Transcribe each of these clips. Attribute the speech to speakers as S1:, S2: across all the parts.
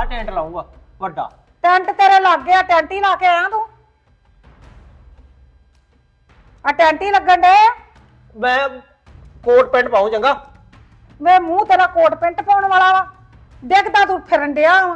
S1: Tent ਲਾਉਂਗਾ ਵੱਡਾ।
S2: Tent ਤੇਰੇ ਲੱਗ ਗਿਆ, ਟੈਂਟ ਹੀ ਲਾ ਕੇ ਆਇਆ ਤੂੰ। ਆ ਟੈਂਟ ਹੀ ਲੱਗਣ ਡੇ।
S1: ਮੈਂ ਕੋਟ ਪੈਂਟ ਪਾਉਂ ਚੰਗਾ।
S2: ਵੇ ਮੂੰਹ ਤੇਰਾ ਕੋਟ ਪੈਂਟ ਪਾਉਣ ਵਾਲਾ ਵਾ, ਡਿੱਗਦਾ ਤੂੰ ਫਿਰਨ ਡਿਆ ਵਾ।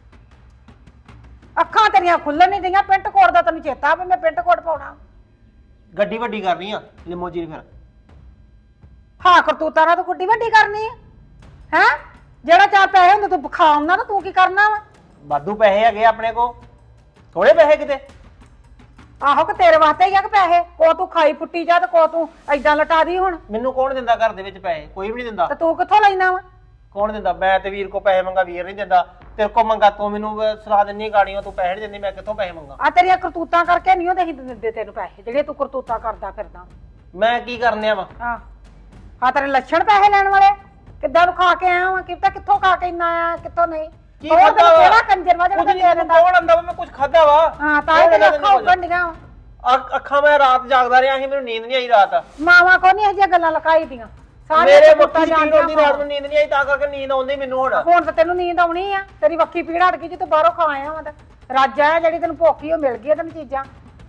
S2: ਅੱਖਾਂ ਤੇਰੀਆਂ ਖੁੱਲਣ ਨਹੀਂ ਦਈਆਂ, ਪੈਂਟ ਕੋਟ ਦਾ ਤੈਨੂੰ ਚੇਤਾ ਵੀ ਮੈਂ ਪੈਂਟ ਕੋਟ ਪਾਉਣਾ।
S1: ਗੱਡੀ ਵੱਡੀ ਕਰਨੀ ਆ ਲਿਮੋਜੀਨ ਫਿਰ।
S2: ਹਾਂ ਕਰਤੂਤਾਂ ਨਾਲ ਤੂੰ ਗੁੱਡੀ ਵੱਡੀ ਕਰਨੀ ਆ ਹੈ। ਜਿਹੜਾ ਚਾਰ ਪੈਸੇ ਹੁੰਦੇ ਤੂੰ ਖਾਉਣਾ ਤਾਂ ਤੂੰ ਕੀ ਕਰਨਾ ਵਾ।
S1: ਵਾਧੂ ਪੈਸੇ ਹੈਗੇ ਆਪਣੇ ਕੋ, ਥੋੜੇ ਪੈਸੇ ਕਿਤੇ।
S2: ਆਹੋ ਕਿ ਤੇਰੇ ਵਾਸਤੇ ਹੀ ਆ ਕਿ ਪੈਸੇ, ਕੋ ਤੂੰ ਖਾਈ ਫੁੱਟੀ ਜਾ ਤੇ ਕੋ ਤੂੰ ਏਦਾਂ ਲਟਾ ਦੀ। ਹੁਣ
S1: ਮੈਨੂੰ ਕੌਣ ਦਿੰਦਾ ਘਰ ਦੇ ਵਿੱਚ ਪੈਸੇ? ਕੋਈ ਵੀ ਨਹੀਂ ਦਿੰਦਾ।
S2: ਤੇ ਤੂੰ ਕਿੱਥੋਂ ਲੈਣਾ ਵਾ?
S1: ਕੌਣ ਦਿੰਦਾ? ਮੈਂ ਤੇ ਵੀਰ ਕੋ ਪੈਸੇ ਮੰਗਾ, ਵੀਰ ਨਹੀਂ ਦਿੰਦਾ। ਤੇਰੇ ਕੋ ਮੰਗਾ ਤੂੰ ਮੈਨੂੰ ਸਲਾਹ ਦਿੰਨੀ ਗਾੜੀਆਂ, ਤੂੰ ਪੈਸੇ ਨਹੀਂ ਦਿੰਦੀ, ਮੈਂ ਕਿੱਥੋਂ ਪੈਸੇ ਮੰਗਾ?
S2: ਆ ਤੇਰੀਆਂ ਕਰਤੂਤਾਂ ਕਰਕੇ ਨਹੀਂ ਉਹ ਦਿੰਦੇ ਤੈਨੂੰ ਪੈਸੇ, ਜਿਹੜੇ ਤੂੰ ਕਰਤੂਤਾਂ ਕਰਦਾ ਫਿਰਦਾ।
S1: ਮੈਂ ਕੀ ਕਰਨੇ ਆ ਵਾ?
S2: ਹਾਂ ਤੇਰੇ ਲੱਛਣ ਪੈਸੇ ਲੈਣ ਵਾਲੇ। ਕਿੱਦਾਂ ਨੂੰ ਖਾ ਕੇ ਆਇਆ ਵਾ, ਕਿੱਥੋਂ ਖਾ ਕੇ ਇੰਨਾ ਆਇਆ, ਕਿੱਥੋਂ ਨਹੀਂ।
S1: ਕੀ ਖਾਦਾ ਵਾ?
S2: ਕਿਹੜਾ ਕੰਜਰ ਵਾ ਜਿਹੜਾ ਦੇ ਦਿੰਦਾ?
S1: ਕੌਣ ਆਂਦਾ ਵਾ ਮੈਂ ਕੁਝ ਖਾਦਾ ਵਾ?
S2: ਹਾਂ ਤਾਂ ਇਹ ਤੇਰੀਆਂ ਅੱਖਾਂ ਉੱਗਣ ਡੀਆਂ ਵਾ।
S1: ਅੱਖਾਂ ਮੈਂ ਰਾਤ ਜਾਗਦਾ ਰਿਹਾ ਸੀ, ਮੈਨੂੰ ਨੀਂਦ ਨਹੀਂ ਆਈ ਰਾਤ।
S2: ਮਾਵਾਂ ਕੋ ਨਹੀਂ ਇਹ ਜਿਹੀਆਂ ਗੱਲਾਂ ਲਕਾਈ ਦੀਆਂ।
S1: ਮੇਰੇ ਮੱਥੀ ਪੀੜ ਹੁੰਦੀ ਰਾਤ ਨੂੰ, ਨੀਂਦ ਨਹੀਂ ਆਈ, ਤਾਂ ਕਰਕੇ ਨੀਂਦ ਆਉਂਦੀ ਮੈਨੂੰ।
S2: ਹੁਣ ਤਾਂ ਤੈਨੂੰ ਨੀਂਦ ਆਉਣੀ ਆ, ਤੇਰੀ ਵੱਖੀ ਪੀੜ ਹਟ ਗਈ ਜੇ ਤੂੰ ਬਾਹਰੋਂ ਖਾ ਆਇਆ ਵਾ। ਰੱਜ ਆਇਆ ਜਿਹੜੀ ਤੈਨੂੰ ਭੁੱਖੀ ਉਹ ਮਿਲ ਗਈ ਤੈਨੂੰ ਚੀਜ਼ਾਂ।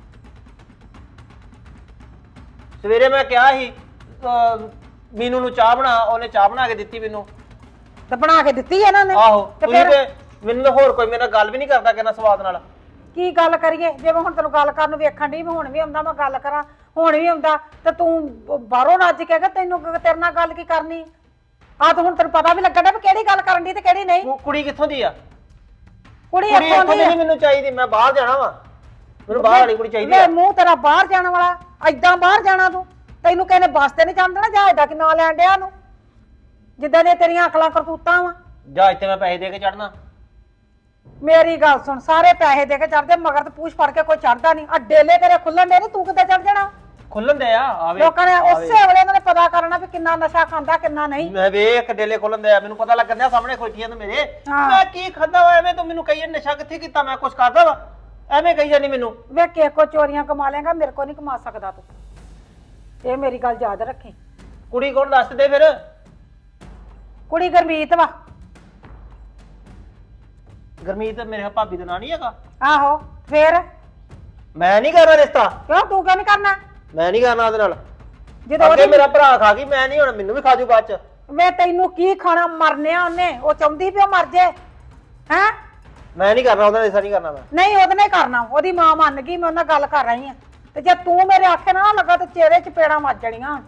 S1: ਸਵੇਰੇ ਮੈਂ ਕਿਹਾ ਸੀ ਮੀਨੂ ਨੂੰ ਚਾਹ ਬਣਾ, ਉਹਨੇ ਚਾਹ ਬਣਾ ਕੇ ਦਿੱਤੀ ਮੈਨੂੰ।
S2: ਤੇ ਬਣਾ ਕੇ ਦਿੱਤੀ ਇਹਨਾਂ ਨੇ।
S1: ਆਹੋ ਤੁਸੀਂ ਤੇ ਮੈਨੂੰ ਹੋਰ ਕੋਈ ਮੇਰੇ ਨਾਲ ਗੱਲ ਵੀ ਨਹੀਂ ਕਰਦਾ ਕਿੰਨਾ ਸਵਾਦ ਨਾਲ।
S2: ਕੀ ਗੱਲ ਕਰੀਏ, ਜੇ ਮੈਂ ਹੁਣ ਤੈਨੂੰ ਗੱਲ ਕਰਨ ਨੂੰ ਵੇਖਣ ਦੀ, ਹੁਣ ਵੀ ਆਉਂਦਾ ਮੈਂ ਗੱਲ ਕਰਾਂ, ਹੁਣ ਵੀ ਆਉਂਦਾ ਤੇ ਤੂੰ ਬਾਹਰੋਂ ਰੱਜ ਕੇ ਤੈਨੂੰ ਤੇਰੇ ਨਾਲ ਗੱਲ ਕੀ ਕਰਨੀ ਆ। ਤਾਂ ਹੁਣ ਤੈਨੂੰ ਪਤਾ ਵੀ ਲੱਗਣ ਡਿਆ ਵੀ ਕਿਹੜੀ ਗੱਲ ਕਰਨ ਦੀ ਤੇ ਕਿਹੜੀ ਨਹੀਂ।
S1: ਕੁੜੀ ਕਿੱਥੋਂ ਦੀ ਆ?
S2: ਕੁੜੀ ਇੱਥੋਂ ਦੀ
S1: ਨਹੀਂ ਮੈਨੂੰ ਚਾਹੀਦੀ, ਮੈਂ ਬਾਹਰ ਜਾਣਾ ਵਾ, ਮੈਨੂੰ ਬਾਹਰ ਵਾਲੀ ਕੁੜੀ ਚਾਹੀਦੀ ਆ।
S2: ਮੂੰਹ ਤੇਰਾ ਬਾਹਰ ਜਾਣ ਵਾਲਾ, ਏਦਾਂ ਬਾਹਰ ਜਾਣਾ ਤੂੰ? ਤੈਨੂੰ ਕਹਿੰਦੇ ਬੱਸ ਤੇ ਨਹੀਂ ਜਾਣ ਦੇਣਾ, ਜਹਾਜ਼ ਦਾ ਕਿ ਨਾਂ ਲੈਣ ਡਿਆ ਨੂੰ, ਜਿੱਦਾਂ ਦੀਆਂ ਤੇਰੀਆਂ ਅਕਲਾਂ ਕਰਤੂਤਾਂ ਵਾ।
S1: ਜਹਾਜ਼ ਤੇ ਮੈਂ ਪੈਸੇ ਦੇ ਕੇ ਚੜਨਾ।
S2: ਮੇਰੀ ਗੱਲ ਸੁਣ, ਸਾਰੇ ਪੈਸੇ ਦੇ ਕੇ ਚੜਦੇ, ਮਗਰ ਤੇ ਪੂਛ ਫੜ ਕੇ ਕੋਈ ਚੜਦਾ ਨਹੀਂ। ਆ ਡੇਲੇ ਤੇਰੇ ਖੁੱਲਣ ਦੇ ਨਹੀਂ, ਤੂੰ ਕਿੱਦਾਂ ਚੜ ਜਾਣਾ?
S1: ਖੁੱਲਣ ਦੇ ਆ ਆਵੇ
S2: ਲੋਕਾਂ ਨੇ ਉਸੇ ਵੇਲੇ ਇਹਨਾਂ ਨੇ ਪਤਾ ਕਰਨਾ ਵੀ ਕਿੰਨਾ ਨਸ਼ਾ ਖਾਂਦਾ ਕਿੰਨਾ ਨਹੀਂ।
S1: ਮੈਂ ਵੇਖ ਡੇਲੇ ਖੁੱਲਣ ਦੇ ਆ, ਮੈਨੂੰ ਪਤਾ ਲੱਗਣ ਦਿਆ ਸਾਹਮਣੇ ਖੋਟੀਆਂ ਤੇ ਮੇਰੇ। ਮੈਂ ਕੀ ਖਾਦਾ ਵਾ? ਐਵੇਂ ਤੂੰ ਮੈਨੂੰ ਕਹੀਏ ਨਸ਼ਾ ਕਿੱਥੇ ਕੀਤਾ, ਮੈਂ ਕੁਛ ਕਰਦਾ ਵਾ? ਐਵੇਂ ਕਹੀ ਜਾਨੀ ਮੈਨੂੰ।
S2: ਵੇ ਕਿਸੇ ਕੋ ਚੋਰੀਆਂ ਕਮਾ ਲੇਗਾ, ਮੇਰੇ ਕੋ ਨਹੀਂ ਕਮਾ ਸਕਦਾ ਤੂੰ, ਇਹ ਮੇਰੀ ਗੱਲ ਯਾਦ ਰੱਖੀ।
S1: ਕੁੜੀ ਕੋਲ ਦੱਸ ਦੇ ਫਿਰ।
S2: ਕੁੜੀ ਗੁਰਮੀਤ ਵਾ।
S1: ਗੁਰਮੀਤ ਮੇਰੇ ਭਾਬੀ ਦਾ ਨਾਂ ਨਹੀਂ ਹੈਗਾ?
S2: ਆਹੋ ਫੇਰ
S1: ਮੈਂ ਨਹੀਂ ਕਰਨਾ ਰਿਸ਼ਤਾ।
S2: ਕਿਉਂ ਤੂੰ ਕਿਉਂ ਨਹੀਂ ਕਰਨਾ?
S1: ਮੈਂ ਨਹੀਂ ਕਰਨਾ ਉਹਦੇ ਨਾਲ।
S2: ਜਦੋਂ
S1: ਅੱਗੇ ਮੇਰਾ ਭਰਾ ਖਾ ਗਈ, ਮੈਂ ਨਹੀਂ, ਹੁਣ ਮੈਨੂੰ ਵੀ ਖਾ ਜੂ ਬਾਅਦ ਚ।
S2: ਵੇ ਤੈਨੂੰ ਕੀ ਖਾਣਾ, ਮਰਨਿਆ ਉਹਨੇ, ਉਹ ਚਾਹੁੰਦੀ ਵੀ ਉਹ ਮਰ ਜੇ। ਹੈ
S1: ਮੈਂ ਨਹੀਂ ਕਰਨਾ ਉਹਦੇ ਨਾਲ ਰਿਸ਼ਤਾ, ਨਹੀਂ ਕਰਨਾ ਮੈਂ।
S2: ਨਹੀਂ ਉਹਦੇ ਨਾਲ ਕਰਨਾ, ਉਹਦੀ ਮਾਂ ਮੰਨ ਗਈ, ਮੈਂ ਉਹਨਾਂ ਗੱਲ ਕਰ ਰਹੀ ਆ। ਤੇ ਜੇ ਤੂੰ ਮੇਰੇ ਆਖੇ ਨਾ ਲੱਗਾ ਤੇ ਚਿਹਰੇ ਚ ਪੇੜਾਂ ਵੱਜ ਜਾਣੀਆਂ।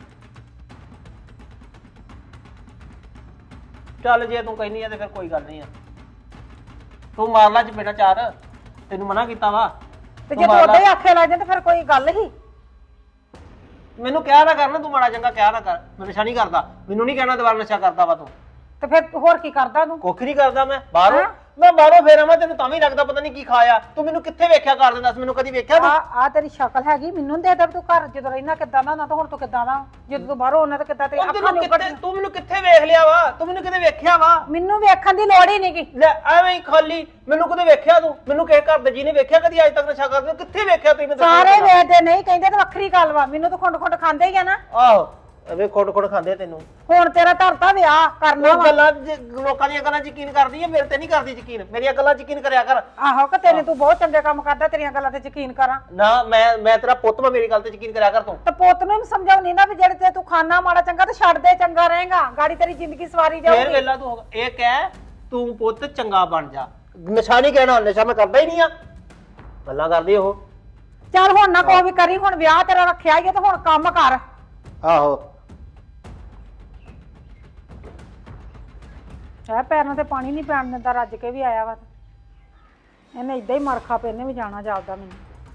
S1: ਚੱਲ ਜੇ ਤੂੰ ਕਹਿੰਦੀ ਆ ਤੇ ਫਿਰ ਕੋਈ ਗੱਲ ਨਹੀਂ ਆ, ਤੂੰ ਮਾਰ ਲਾ ਚਪੇੜਾ ਚਾਰ, ਤੈਨੂੰ ਮਨਾ ਕੀਤਾ ਵਾ।
S2: ਤੇ ਜੇ ਤੂੰ ਉਹਦੇ ਹੀ ਆਖੇ ਲੱਗ ਜਾ ਤੇ ਫਿਰ ਕੋਈ ਗੱਲ ਹੀ।
S1: ਮੈਨੂੰ ਕਿਹਾ ਨਾ ਕਰਨਾ, ਤੂੰ ਮਾੜਾ ਚੰਗਾ ਕਿਹਾ ਨਾ ਕਰ, ਮੈਂ ਨਸ਼ਾ ਨਹੀਂ ਕਰਦਾ। ਮੈਨੂੰ ਨਹੀਂ ਕਹਿਣਾ ਦੁਬਾਰਾ ਨਸ਼ਾ ਕਰਦਾ ਵਾ ਤੂੰ।
S2: ਤੇ ਫਿਰ ਹੋਰ ਕੀ ਕਰਦਾ ਤੂੰ?
S1: ਕੁੱਖ ਨਹੀਂ ਕਰਦਾ ਮੈਂ। ਬਾਹਰੋਂ ਮੈਂ ਬਾਹਰੋਂ ਫੇਰ ਆਵਾਂ, ਤੈਨੂੰ ਤਾਂ ਵੀ ਲੱਗਦਾ ਪਤਾ ਨਹੀਂ ਕੀ ਖਾਇਆ। ਤੂੰ ਮੈਨੂੰ ਕਿੱਥੇ ਵੇਖਿਆ ਕਰ ਦਿੰਦਾ? ਮੈਨੂੰ ਕਦੀ ਵੇਖਿਆ ਤੂੰ?
S2: ਆ ਤੇਰੀ ਸ਼ਕਲ ਹੈਗੀ, ਮੈਨੂੰ ਦੇ ਦੇ ਤੂੰ ਘਰ ਜਦੋਂ ਰਹਿਣਾ ਕਿੱਦਾਂ ਦਾ ਨਾ, ਤਾਂ ਹੁਣ ਤੂੰ ਕਿੱਦਾਂ ਦਾ ਜਦੋਂ ਤੂੰ ਬਾਹਰੋਂ ਆਉਣਾ ਤਾਂ ਕਿੱਦਾਂ ਤੇਰੀ ਅੱਖਾਂ ਨਹੀਂ ਉੱਗੜ।
S1: ਤੂੰ ਮੈਨੂੰ ਕਿੱਥੇ ਵੇਖ ਲਿਆ ਵਾ? ਤੂੰ ਮੈਨੂੰ ਕਿਤੇ ਵੇਖਿਆ ਵਾ?
S2: ਮੈਨੂੰ ਵੇਖਣ ਦੀ ਲੋੜ ਹੀ ਨਹੀਂਗੀ।
S1: ਲੈ ਐਵੇਂ ਹੀ ਖਾਲੀ ਮੈਨੂੰ ਕਿਤੇ ਵੇਖਿਆ ਤੂੰ? ਮੈਨੂੰ ਕਿਸੇ ਘਰ ਦੇ ਜੀ ਨੇ ਵੇਖਿਆ ਕਦੀ ਅੱਜ ਤੱਕ ਨਸ਼ਾ ਕਰਦੇ? ਕਿੱਥੇ ਵੇਖਿਆ ਤੂੰ?
S2: ਸਾਰੇ ਵੇਖਦੇ ਨਹੀਂ, ਕਹਿੰਦੇ ਤਾਂ ਵੱਖਰੀ ਗੱਲ ਵਾ, ਮੈਨੂੰ ਤਾਂ ਖੁੰਡ ਖੁੰਡ ਖਾਂਦੇ ਹੀ ਆ ਨਾ।
S1: ਆਹੋ ਐਵੇਂ ਖੁੰਡ ਖਾਂਦੇ ਤੈਨੂੰ।
S2: ਹੁਣ ਤੇਰਾ ਧਰਤਾ ਵਿਆਹ ਕਰਨਾ ਵਾ।
S1: ਗੱਲਾਂ ਲੋਕਾਂ ਦੀਆਂ ਗੱਲਾਂ ਯਕੀਨ ਕਰਦੀ ਹੈ, ਮੇਰੇ ਤੇ ਨਹੀਂ ਕਰਦੀ ਯਕੀਨ। ਮੇਰੀਆਂ ਗੱਲਾਂ ਯਕੀਨ ਕਰਿਆ ਕਰ।
S2: ਆਹੋ ਕਿ ਤੈਨੂੰ ਤੂੰ ਬਹੁਤ ਚੰਗੇ ਕੰਮ ਕਰਦਾ, ਤੇਰੀਆਂ ਗੱਲਾਂ ਤੇ ਯਕੀਨ ਕਰਾਂ
S1: ਨਾ। ਮੈਂ ਤੇਰਾ ਪੁੱਤ, ਮੈਂ ਮੇਰੀ ਗੱਲ ਤੇ ਯਕੀਨ ਕਰਿਆ ਕਰ ਤੂੰ।
S2: ਤੇ ਪੁੱਤ ਨੂੰ ਵੀ ਸਮਝਾਉਣੀ ਨਾ ਵੀ ਜਿਹੜੇ ਤੇ ਤੂੰ ਖਾਣਾ ਮਾੜਾ ਚੰਗਾ ਤੇ ਛੱਡ ਦੇ, ਚੰਗਾ ਰਹੇਗਾ, ਗਾੜੀ ਤੇਰੀ ਜ਼ਿੰਦਗੀ ਸਵਾਰੀ ਜਾਊਗੀ।
S1: ਫੇਰ ਵੇਲਾ ਤੂੰ ਇਹ ਕਹਿ, ਤੂੰ ਪੁੱਤ ਚੰਗਾ ਬਣ ਜਾ। ਨਸ਼ਾ ਨਹੀਂ ਕਹਿਣਾ, ਨਸ਼ਾ ਮੈਂ ਕਰਦਾ ਹੀ ਨਹੀਂ ਆ। ਗੱਲਾਂ ਕਰਦੀ ਉਹ।
S2: ਚੱਲ ਹੁਣ ਨਾ ਕੋਈ ਵੀ ਕਰੀ, ਹੁਣ ਵਿਆਹ ਤੇਰਾ ਰੱਖਿਆ ਹੀ ਹੈ ਤੇ ਹੁਣ ਕੰਮ ਕਰ।
S1: ਆਹੋ
S2: ਹੈ ਪੈਰਾਂ ਤੇ ਪਾਣੀ ਨਹੀਂ ਪੈਣ ਦਿੰਦਾ, ਰੱਜ ਕੇ ਵੀ ਆਇਆ ਵਾ। ਇਹਨੇ ਇਦਾਂ ਹੀ ਮਰਖਾ ਪੇ, ਇਹਨੇ ਵੀ ਜਾਣਾ ਜਾਪਦਾ ਮੈਨੂੰ।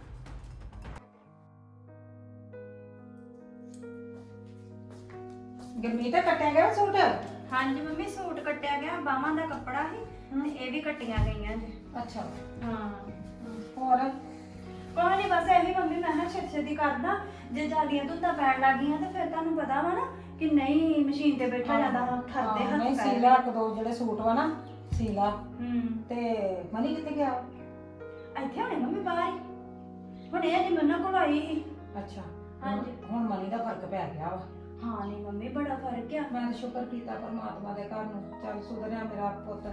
S2: ਗੁਰਮੀਤ ਕੱਟਿਆ ਗਿਆ ਸੂਟ?
S3: ਹਾਂਜੀ ਮੰਮੀ, ਸੂਟ ਕੱਟਿਆ ਗਿਆ, ਬਾਹਾਂ ਦਾ ਕੱਪੜਾ ਸੀ ਤੇ ਇਹ ਵੀ ਕੱਟੀਆਂ ਗਈਆਂ ਜੀ।
S2: ਅੱਛਾ
S3: ਹਾਂ
S2: ਹੋਰ?
S3: ਕੋਈ ਨਹੀਂ, ਬਸ ਇਹੀ ਮੰਮੀ ਮੈਂ ਕਿਹਾ ਛੇਤੀ ਛੇਤੀ ਕਰਦਾ, ਜੇ ਜ਼ਿਆਦੀਆਂ ਧੁੰਦਾਂ ਪੈਣ ਲੱਗੀਆਂ ਤੇ ਫਿਰ ਤੁਹਾਨੂੰ ਪਤਾ ਵਾ ਨਾ ਕਿ ਨਹੀਂ ਮਸ਼ੀਨ ਤੇ ਬੈਠਾ ਜਾਂਦਾ, ਠਰਦੇ ਹੱਥ
S2: ਨਹੀਂ
S3: ਪੈਰ।
S2: ਸੀਲਾ ਇੱਕ ਦੋ ਜਿਹੜੇ ਸੂਟ ਵਾ ਨਾ ਸੀਲਾ। ਤੇ ਮਨੀ ਕਿੱਥੇ ਗਿਆ?
S3: ਇੱਥੇ ਹੋਣੇ ਮੰਮੀ ਬਾਹਰ ਹੀ। ਹੁਣ ਇਹ ਜੀ ਮੰਨਾ ਕੋਲ ਆਈ ਸੀ।
S2: ਅੱਛਾ
S3: ਹਾਂਜੀ।
S2: ਹੁਣ ਮਨੀ ਦਾ ਫਰਕ ਪੈ ਗਿਆ ਵਾ।
S3: ਹਾਂ ਨਹੀਂ ਮੰਮੀ, ਬੜਾ ਫਰਕ ਆ।
S2: ਮੈਂ ਤਾਂ ਸ਼ੁਕਰ ਕੀਤਾ ਪਰਮਾਤਮਾ ਦੇ ਘਰ ਨੂੰ, ਚੱਲ ਸੁਧਰਿਆ ਮੇਰਾ ਪੁੱਤ।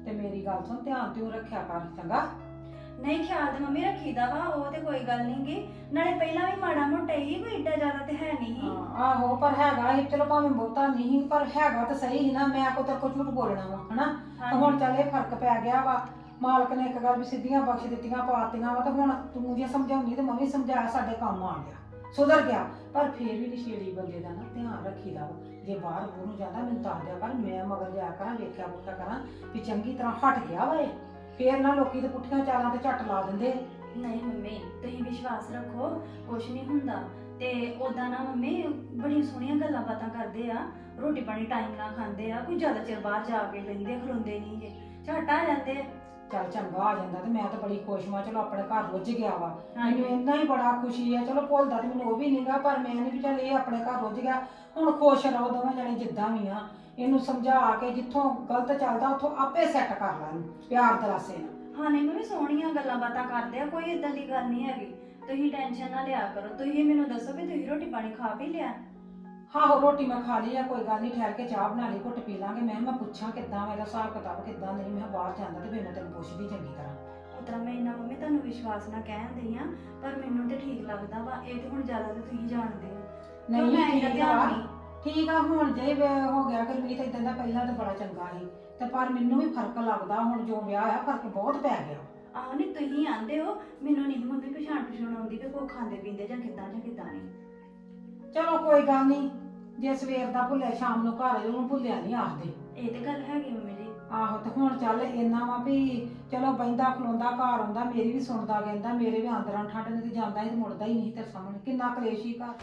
S2: ਤੇ ਮੇਰੀ ਗੱਲ ਸੁਣ ਧਿਆਨ ਤੇ ਰੱਖਿਆ ਕਰ ਚੰਗਾ।
S3: ਨਹੀਂ ਖਿਆਲ ਤੇ ਮੰਮੀ ਰੱਖੀਦਾ ਵਾ, ਉਹ ਤੇ ਕੋਈ ਗੱਲ ਨੀ ਗੀ। ਨਾਲੇ ਪਹਿਲਾਂ ਵੀ ਮਾੜਾ ਮੋਟਾ ਹੀ, ਕੋਈ ਏਡਾ ਜ਼ਿਆਦਾ ਤੇ ਹੈ ਨਹੀਂ ਸੀ।
S2: ਆਹੋ ਪਰ ਹੈਗਾ ਸੀ, ਚਲੋ ਭਾਵੇਂ ਬਹੁਤਾ ਨਹੀਂ ਪਰ ਹੈਗਾ ਤਾਂ ਸਹੀ ਸੀ ਨਾ। ਮੈਂ ਕੋ ਤੇਰੇ ਕੋ ਝੂਠ ਬੋਲਣਾ ਵਾ ਹਨਾ। ਤੇ ਹੁਣ ਚੱਲ ਇਹ ਫਰਕ ਪੈ ਗਿਆ ਵਾ। ਮਾਲਕ ਨੇ ਇੱਕ ਗੱਲ ਵੀ ਸਿੱਧੀਆਂ ਬਖਸ਼ ਦਿੱਤੀਆਂ ਪਾਤੀਆਂ ਵਾ, ਤੇ ਹੁਣ ਤੂੰ ਜੇ ਸਮਝਾਉਣੀ ਤੇ ਮੈਂ ਵੀ ਸਮਝਾਇਆ, ਸਾਡੇ ਕੰਮ ਆ ਗਿਆ, ਸੁਧਰ ਗਿਆ। ਪਰ ਫੇਰ ਵੀ ਨਸ਼ੇੜੀ ਬੰਦੇ ਦਾ ਨਾ ਧਿਆਨ ਰੱਖੀਦਾ ਵਾ। ਜੇ ਬਾਹਰ ਬੂਹ ਨੂੰ ਜਾਂਦਾ ਮੈਨੂੰ ਦੱਸ ਦਿਆ ਕਰ, ਮੈਂ ਮਗਰ ਜਾਇਆ ਕਰਾਂ, ਵੇਖਿਆ ਬੁੱਖਿਆ ਕਰਾਂ ਵੀ ਚੰਗੀ ਤਰ੍ਹਾਂ ਹਟ ਗਿਆ ਵਾ ਇਹ। ਫੇਰ ਨਾ ਲੋਕੀ ਤੇ ਪੁੱਠੀਆਂ ਚਾਲਾਂ ਤੇ ਝੱਟ ਲਾ ਦਿੰਦੇ।
S3: ਨਹੀਂ ਮੰਮੀ ਤੁਸੀਂ ਵਿਸ਼ਵਾਸ ਰੱਖੋ, ਕੁਛ ਨਹੀਂ ਹੁੰਦਾ। ਤੇ ਉਦਾਂ ਨਾ ਮੰਮੀ ਬੜੀਆਂ ਸੋਹਣੀਆਂ ਗੱਲਾਂ ਬਾਤਾਂ ਕਰਦੇ ਆ, ਰੋਟੀ ਪਾਣੀ ਟਾਈਮ ਨਾਲ ਖਾਂਦੇ ਆ, ਕੋਈ ਜ਼ਿਆਦਾ ਚਿਰ ਬਾਹਰ ਜਾ ਕੇ ਬਹਿੰਦੇ ਖਲੋਂਦੇ ਨਹੀਂ ਜੇ, ਝੱਟ ਆ ਜਾਂਦੇ ਆ।
S2: ਚੱਲ ਚੰਗਾ ਆ ਜਾਂਦਾ ਤੇ ਮੈਂ ਤਾਂ ਬੜੀ ਖੁਸ਼ ਹਾਂ। ਚਲੋ ਆਪਣੇ ਘਰ ਰੁੱਝ ਗਿਆ ਵਾ, ਮੈਨੂੰ ਇੰਨਾ ਹੀ ਬੜਾ ਖੁਸ਼ੀ ਹੈ। ਚਲੋ ਭੁੱਲਦਾ ਤੇ ਮੈਨੂੰ ਉਹ ਵੀ ਨਹੀਂਗਾ, ਪਰ ਮੈਂ ਨਹੀਂ ਵੀ ਚੱਲ ਇਹ ਆਪਣੇ ਘਰ ਰੁੱਝ ਗਿਆ। ਹੁਣ ਖੁਸ਼ ਰਹੋ ਦੋਵੇਂ ਜਣੇ ਜਿੱਦਾਂ ਵੀ ਆ। ਇਹਨੂੰ ਸਮਝਾ ਕੇ ਜਿੱਥੋਂ ਗਲਤ ਚੱਲਦਾ ਉੱਥੋਂ ਆਪੇ ਸੈੱਟ ਕਰ ਲੈ ਇਹਨੂੰ ਪਿਆਰ ਦਰਾਸੇ ਨਾਲ।
S3: ਹਾਂ ਨਹੀਂ ਮੰਮੀ ਸੋਹਣੀਆਂ ਗੱਲਾਂ ਬਾਤਾਂ ਕਰਦੇ ਆ, ਕੋਈ ਇਦਾਂ ਦੀ ਗੱਲ ਨਹੀਂ ਹੈਗੀ। ਤੁਸੀਂ ਟੈਨਸ਼ਨ ਨਾ ਲਿਆ ਕਰੋ। ਤੁਸੀਂ ਮੈਨੂੰ ਦੱਸੋ ਵੀ ਤੁਸੀਂ ਰੋਟੀ ਪਾਣੀ ਖਾ ਵੀ ਲਿਆ?
S2: ਹਾਂ ਰੋਟੀ ਮੈਂ ਖਾ ਲਈ ਆ, ਕੋਈ ਗੱਲ ਨਹੀਂ, ਠਹਿਰ ਕੇ ਚਾਹ ਬਣਾ ਲਈ, ਘੁੱਟ ਪੀ ਲਾਂਗੇ। ਮੈਂ ਪੁੱਛਾਂ ਕਿੱਦਾਂ ਮੇਰਾ ਹਿਸਾਬ ਕਿਤਾਬ ਕਿੱਦਾਂ ਨਹੀਂ। ਮੈਂ ਬਾਹਰ ਜਾਂਦਾ ਤੇ ਫਿਰ ਮੈਂ ਤੈਨੂੰ ਪੁੱਛਦੀ ਚੰਗੀ ਤਰ੍ਹਾਂ।
S3: ਉਤਰਾ ਮੈਂ ਇੰਨਾ ਮੰਮੀ ਤੁਹਾਨੂੰ ਵਿਸ਼ਵਾਸ ਨਾ ਕਹਿੰਦੀ ਆ, ਪਰ ਮੈਨੂੰ ਤੇ ਠੀਕ ਲੱਗਦਾ ਵਾ। ਇਹ ਤੇ ਹੁਣ ਜ਼ਿਆਦਾ ਤੇ ਤੁਸੀਂ ਜਾਣਦੇ ਹੋ।
S2: ਨਹੀਂ
S3: ਮੈਂ ਇਹਦਾ
S2: ਠੀਕ
S3: ਧਿਆਨ
S2: ਆ,
S3: ਨਹੀਂ।
S2: ਠੀਕ ਆ। ਹੁਣ ਜੇ ਹੋ ਗਿਆ ਗੁਰਮੀਤ ਇਦਾਂ ਦਾ, ਪਹਿਲਾਂ ਤਾਂ ਬੜਾ ਚੰਗਾ ਸੀ ਤੇ ਪਰ ਮੈਨੂੰ ਵੀ ਫਰਕ ਲੱਗਦਾ ਹੁਣ ਜੋ ਵਿਆਹ ਆ, ਫਰਕ ਬਹੁਤ ਪੈ ਗਿਆ।
S3: ਆਹੋ ਨਹੀਂ ਤੁਸੀਂ ਆਂਦੇ ਹੋ, ਮੈਨੂੰ ਨਹੀਂ ਮੰਮੀ ਪਛਾਣ ਆਉਂਦੀ ਵੀ ਕੋਈ ਖਾਂਦੇ ਪੀਂਦੇ ਜਾਂ ਕਿੱਦਾਂ ਨਹੀਂ।
S2: ਚਲੋ ਕੋਈ ਗੱਲ ਨਹੀਂ, ਜੇ ਸਵੇਰ ਦਾ ਭੁੱਲਿਆ ਸ਼ਾਮ ਨੂੰ ਘਰ ਉਹਨੂੰ ਭੁੱਲਿਆ ਨਹੀਂ ਆਖਦੇ।
S3: ਇਹ ਤੇ ਗੱਲ ਹੈਗੀ ਮੰਮੀ ਜੀ।
S2: ਆਹੋ ਤੇ ਹੁਣ ਚੱਲ ਇੰਨਾ ਵਾ ਵੀ ਚਲੋ ਬਹਿੰਦਾ ਖਲੋਂਦਾ ਘਰ ਆਉਂਦਾ, ਮੇਰੀ ਵੀ ਸੁਣਦਾ ਕਹਿੰਦਾ, ਮੇਰੇ ਵੀ ਅੰਦਰਾਂ ਠੰਡ ਨਹੀਂ ਤੇ ਜਾਂਦਾ ਸੀ ਤੇ ਮੁੜਦਾ ਹੀ ਨਹੀਂ ਤੇਰੇ ਸਾਹਮਣੇ। ਕਿੰਨਾ ਕਲੇਸ਼ ਹੀ ਘਰ।